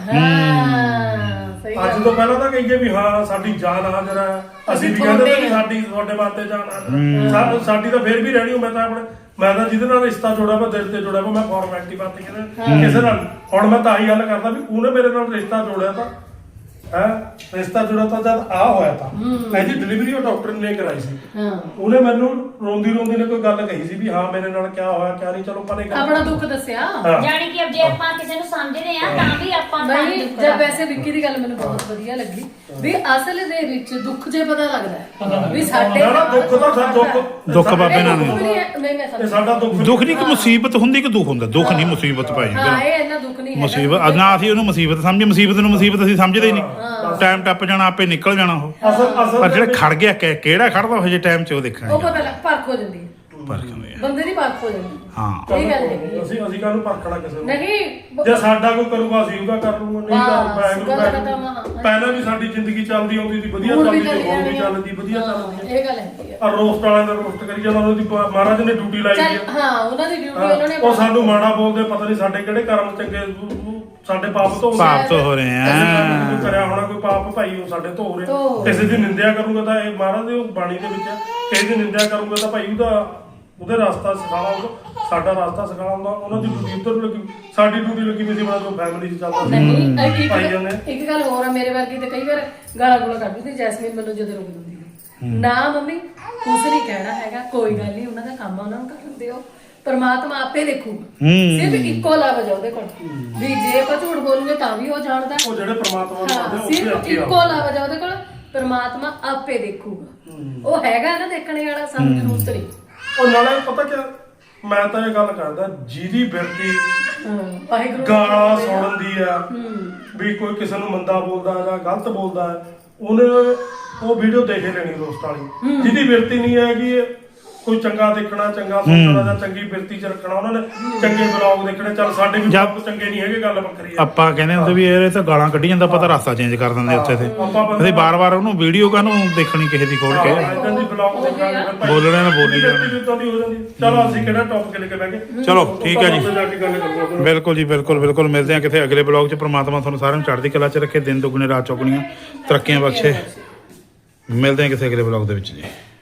ਹਾਂ ਸਹੀ
ਅੱਜ ਤੋਂ ਪਹਿਲਾਂ ਤਾਂ ਕਹੀਏ ਵੀ ਹਾਂ ਸਾਡੀ ਜਾਨ ਹਾਜ਼ਰ ਹੈ ਅਸੀਂ ਵੀ ਕਹਿੰਦੇ ਤੇ ਸਾਡੀ ਤੁਹਾਡੇ ਵਾਸਤੇ ਜਾਨ ਹਾਜ਼ਰ ਹੈ ਸਾਡੀ ਤਾਂ ਫੇਰ ਵੀ ਰਹਿਣੀ ਮੈਂ ਤਾਂ ਜਿਹਦੇ ਨਾਲ ਰਿਸ਼ਤਾ ਜੋੜਿਆ ਮੈਂ ਦਿਲ ਤੇ ਜੋੜਿਆ ਮੈਂ ਫਾਰਮੈਲਿਟੀ ਬਾਤ ਕਿਸੇ ਨਾਲ ਹੁਣ ਮੈਂ ਤਾਂ ਹੀ ਗੱਲ ਕਰਦਾ ਵੀ ਉਹਨੇ ਮੇਰੇ ਨਾਲ ਰਿਸ਼ਤਾ ਜੋੜਿਆ ਤਾਂ ਰਿਸ਼ਤਾ ਜੁੜਾ ਤਾਂ ਜਦ ਆ ਹੋਇਆ ਤਾਂ ਇਹਦੀ ਡਿਲੀਵਰੀ ਉਹ ਡਾਕਟਰ ਨੇ ਕਰਾਈ ਸੀ ਉਹਨੇ ਮੈਨੂੰ ਰੋਂਦੀ ਨੇ ਕੋਈ ਗੱਲ ਕਹੀ ਸੀ ਵੀ ਹਾਂ ਮੇਰੇ ਨਾਲ ਕਿਆ ਹੋਇਆ ਕਿਆ ਨਹੀਂ ਚਲੋ ਪਰੇ
ਆਪਣਾ ਦੁੱਖ ਦੱਸਿਆ
ਜਾਣੀ ਕਿ ਜੇ ਆਪਾਂ ਕਿਸੇ ਨੂੰ ਸਮਝਦੇ ਆ ਤਾਂ ਵੀ ਆਪਾਂ
ਨਹੀਂ ਜਦ ਵੈਸੇ ਵਿੱਕੀ ਦੀ ਗੱਲ ਮੈਨੂੰ ਬਹੁਤ ਵਧੀਆ ਲੱਗੀ ਵੀ ਅਸਲ ਦੇ ਵਿੱਚ ਦੁੱਖ ਜੇ ਪਤਾ ਲੱਗਦਾ ਹੈ ਵੀ ਸਾਡੇ
ਦੁੱਖ ਤਾਂ ਸਭ
ਦੁੱਖ ਬਾਬੇ ਨਾਲ ਨਹੀਂ
ਨਹੀਂ ਮੈਂ ਸਮਝ
ਸਾਡਾ
ਦੁੱਖ ਨਹੀਂ ਕਿ ਮੁਸੀਬਤ ਹੁੰਦੀ ਕਿ ਦੁੱਖ ਹੁੰਦਾ ਦੁੱਖ ਨਹੀਂ ਮੁਸੀਬਤ ਭਾਈ
ਹਾਂ ਇਹ ਇੰਨਾ ਦੁੱਖ ਨਹੀਂ ਹੈ
ਮੁਸੀਬਤ ਨਾ ਅਸੀਂ ਉਹਨੂੰ ਮੁਸੀਬਤ ਸਮਝੇ ਮੁਸੀਬਤ ਨੂੰ ਮੁਸੀਬਤ ਅਸੀਂ ਸਮਝਦੇ ਹੀ ਨਹੀਂ ਟਾਈਮ ਟੱਪ ਜਾਣਾ ਆਪੇ ਨਿਕਲ ਜਾਣਾ ਉਹ
ਅਸਲ
ਪਰ ਜਿਹੜੇ ਖੜ ਗਿਆ ਕਿਹੜਾ ਖੜਦਾ ਉਹ ਜੇ ਟਾਈਮ 'ਚ ਉਹ
ਉਹ
ਦੇਖਣਾ
ਪਤਾ ਲੱਗ ਪਰਖ ਹੋ ਜਾਂਦੀ ਹੈ ਬੰਦੇ ਦੀ ਪਰਖ ਹੋ ਜਾਂਦੀ
ਹਾਂ
ਇਹ ਗੱਲ ਹੈਗੀ
ਅਸੀਂ ਕਾਹਨੂੰ ਪਰਖਣਾ ਕਿਸੇ ਨੂੰ
ਨਹੀਂ
ਜੇ ਸਾਡਾ ਕੋਈ ਕਰੂਗਾ ਅਸੀਂ ਉਹਦਾ ਕਰ ਲੂਗਾ ਨਹੀਂ
ਗੱਲ
ਕਰ
ਖਤਮ ਆ।
ਪਹਿਲਾਂ ਵੀ ਸਾਡੀ ਜ਼ਿੰਦਗੀ ਚੱਲਦੀ ਆਉਂਦੀ ਸੀ ਵਧੀਆ ਚੱਲਦੀ ਸੀ ਹੁਣ ਵੀ ਚੱਲਦੀ ਵਧੀਆ ਚੱਲਦੀ ਹੈ
ਇਹ ਗੱਲ ਹੈਗੀ ਆ
ਆ ਰੋਸਟ ਵਾਲਿਆਂ ਦਾ ਰੋਸਟ ਕਰੀ ਜਾਂਦਾ ਉਹਨਾਂ ਦੀ ਮਹਾਰਾਜ ਨੇ ਡਿਊਟੀ ਲਾਈ
ਚੱਲ
ਹੈ
ਹਾਂ ਉਹਨਾਂ ਦੀ ਡਿਊਟੀ ਉਹਨਾਂ ਨੇ
ਉਹ ਸਾਨੂੰ ਮਾੜਾ ਬੋਲਦੇ ਪਤਾ ਨਹੀਂ ਸਾਡੇ ਕਿਹੜੇ ਕਰਮ ਚੰਗੇ ਸਾਡੇ ਪਾਪ ਤੋਂ
ਪਾਪ ਤੋਂ ਹੋ ਰਹੇ ਆ
ਕਰਿਆ ਹੋਣਾ ਕੋਈ ਪਾਪ ਭਾਈ ਉਹ ਸਾਡੇ ਤੋਂ ਹੋ
ਧੋ
ਰਿਹਾ ਕਿਸੇ ਦੀ ਨਿੰਦਿਆ ਕਰੂੰਗਾ ਤਾਂ ਇਹ ਮਹਾਰਾਜ ਦੀ ਬਾਣੀ ਦੇ ਵਿੱਚ ਕਿਸੇ ਦੀ ਨਿੰਦਿਆ ਕਰੂੰਗਾ ਤਾਂ ਭਾਈ ਉਹਦੇ ਰਸਤਾ ਸਿਖਾਉਣਾ ਸਾਡਾ ਰਸਤਾ ਸਿਖਾਉਣਾ ਹੁੰਦਾ ਉਹਨਾਂ ਦੀ ਡਿਊਟੀ ਉੱਧਰ ਲੱਗੀ ਸਾਡੀ ਡਿਊਟੀ ਲੱਗੀ ਵੀ ਸੀ ਬਣਾ ਜੋ ਫੈਮਿਲੀ 'ਚ ਚੱਲਦਾ
ਨਹੀਂ
ਭਾਈ ਜਾਂਦੇ
ਇੱਕ ਗੱਲ ਹੋਰ ਆ ਮੇਰੇ ਵਰਗੀ ਤੇ ਕਈ ਵਾਰ ਗਾਲਾਂ ਗੁਲਾ ਕੱਢਦੀ ਤੇ ਜੈਸਮੀਨ ਮੈਨੂੰ ਜਦੋਂ ਰੋਕ ਦਿੰਦੀ ਹੈ ਨਾ ਮੰਮੀ ਕੁਛ ਨਹੀਂ ਕਹਿਣਾ ਹੈਗਾ ਕੋਈ ਗੱਲ ਨਹੀਂ ਉਹਨਾਂ ਦਾ ਕੰਮ ਆ ਉਹਨਾਂ ਨੂੰ ਕਰਨ ਦਿਓ ਪਰਮਾਤਮਾ ਆਪੇ ਦੇਖੂਗਾ ਸਿਰਫ ਇੱਕੋ ਲਫ਼ਜ਼ ਉਹਦੇ ਕੋਲ ਵੀ ਜੇ ਆਪਾਂ ਝੂਠ ਬੋਲੂਗੇ ਤਾਂ ਵੀ ਉਹ ਜਾਣਦਾ
ਉਹ ਜਿਹੜੇ ਪ੍ਰਮਾਤਮਾ ਨੂੰ
ਹਾਂ
ਮੰਨਦੇ
ਸਿਰਫ ਇੱਕੋ ਲਫ਼ਜ਼ ਉਹਦੇ ਕੋਲ ਪਰਮਾਤਮਾ ਆਪੇ ਦੇਖੂਗਾ ਉਹ ਹੈਗਾ ਨਾ ਦੇਖਣੇ ਵਾਲਾ ਸਾਨੂੰ ਜ਼ਰੂਰਤ ਨਹੀਂ
ਉਹ ਨਾਲੇ ਪਤਾ ਕਿ ਮੈਂ ਤਾਂ ਇਹ ਗੱਲ ਕਰਦਾ ਜਿਹਦੀ ਬਿਰਤੀ
ਵਾਹਿਗੁਰੂ
ਗਾਲਾਂ ਸੁਣਨ ਦੀ ਆ ਵੀ ਕੋਈ ਕਿਸੇ ਨੂੰ ਮੰਦਾ ਬੋਲਦਾ ਜਾਂ ਗਲਤ ਬੋਲਦਾ ਉਹਨੇ ਉਹ ਵੀਡੀਓ ਦੇਖੇ ਲੈਣੀ ਰੋਸਟ ਵਾਲੀ ਜਿਹਦੀ ਬਿਰਤੀ ਨਹੀਂ ਹੈਗੀ ਕੋਈ ਚੰਗਾ ਦੇਖਣਾ ਚੰਗਾ ਸੋਚਣਾ ਜਾਂ ਚੰਗੀ ਬਿਰਤੀ ਚ ਰੱਖਣਾ ਉਹਨਾਂ ਨੇ ਚੰਗੇ ਬਲੌਗ ਦੇਖਣੇ ਚੱਲ ਸਾਡੇ ਵੀ ਬਲੌਗ ਚੰਗੇ ਨਹੀਂ ਹੈਗੇ ਗੱਲ ਵੱਖਰੀ ਆ
ਆਪਾਂ ਕਹਿੰਦੇ ਹੁੰਦੇ ਵੀ ਇਹ ਤਾਂ ਗਾਲਾਂ ਕੱਢੀ ਜਾਂਦਾ ਪਤਾ ਰਸਤਾ ਚੇਂਜ ਕਰ ਦਿੰਦੇ ਉੱਥੇ ਤੇ ਅਸੀਂ ਬਾਰ-ਬਾਰ ਉਹਨੂੰ ਵੀਡੀਓ ਕਾਹਨੂੰ ਦੇਖਣੀ ਕਿਸੇ ਦੀ ਖੋਲ ਕੇ
ਇਦਾਂ ਦੀ ਬਲੌਗ ਦੇਖਾਂਗੇ
ਬੋਲਣਾ ਨਾ ਬੋਲੀ ਜਾਣਾ
ਹੋ ਜਾਂਦੀ ਚਲੋ ਅਸੀਂ ਕਿਹੜਾ ਟੌਪਿਕ ਲੈ ਕੇ ਬਹਿ ਗਏ
ਚਲੋ ਠੀਕ ਹੈ ਜੀ
ਉੱਥੇ ਜਾ ਕੇ ਗੱਲ ਕਰਾਂਗੇ
ਬਿਲਕੁਲ ਜੀ ਬਿਲਕੁਲ ਮਿਲਦੇ ਹਾਂ ਕਿਸੇ ਅਗਲੇ ਬਲੌਗ 'ਚ ਪ੍ਰਮਾਤਮਾ ਤੁਹਾਨੂੰ ਸਾਰਿਆਂ ਨੂੰ ਚੜ੍ਹਦੀ ਕਲਾ 'ਚ ਰੱਖੇ ਦਿਨ ਦੁੱਗਣੇ ਰਾਤ ਚੌਗਣੀਆਂ ਤਰੱਕੀਆਂ ਬਖਸ਼ੇ ਮਿਲਦੇ ਹਾਂ ਕਿਸੇ ਅਗਲੇ ਬਲੌਗ ਦੇ ਵਿੱਚ ਜੀ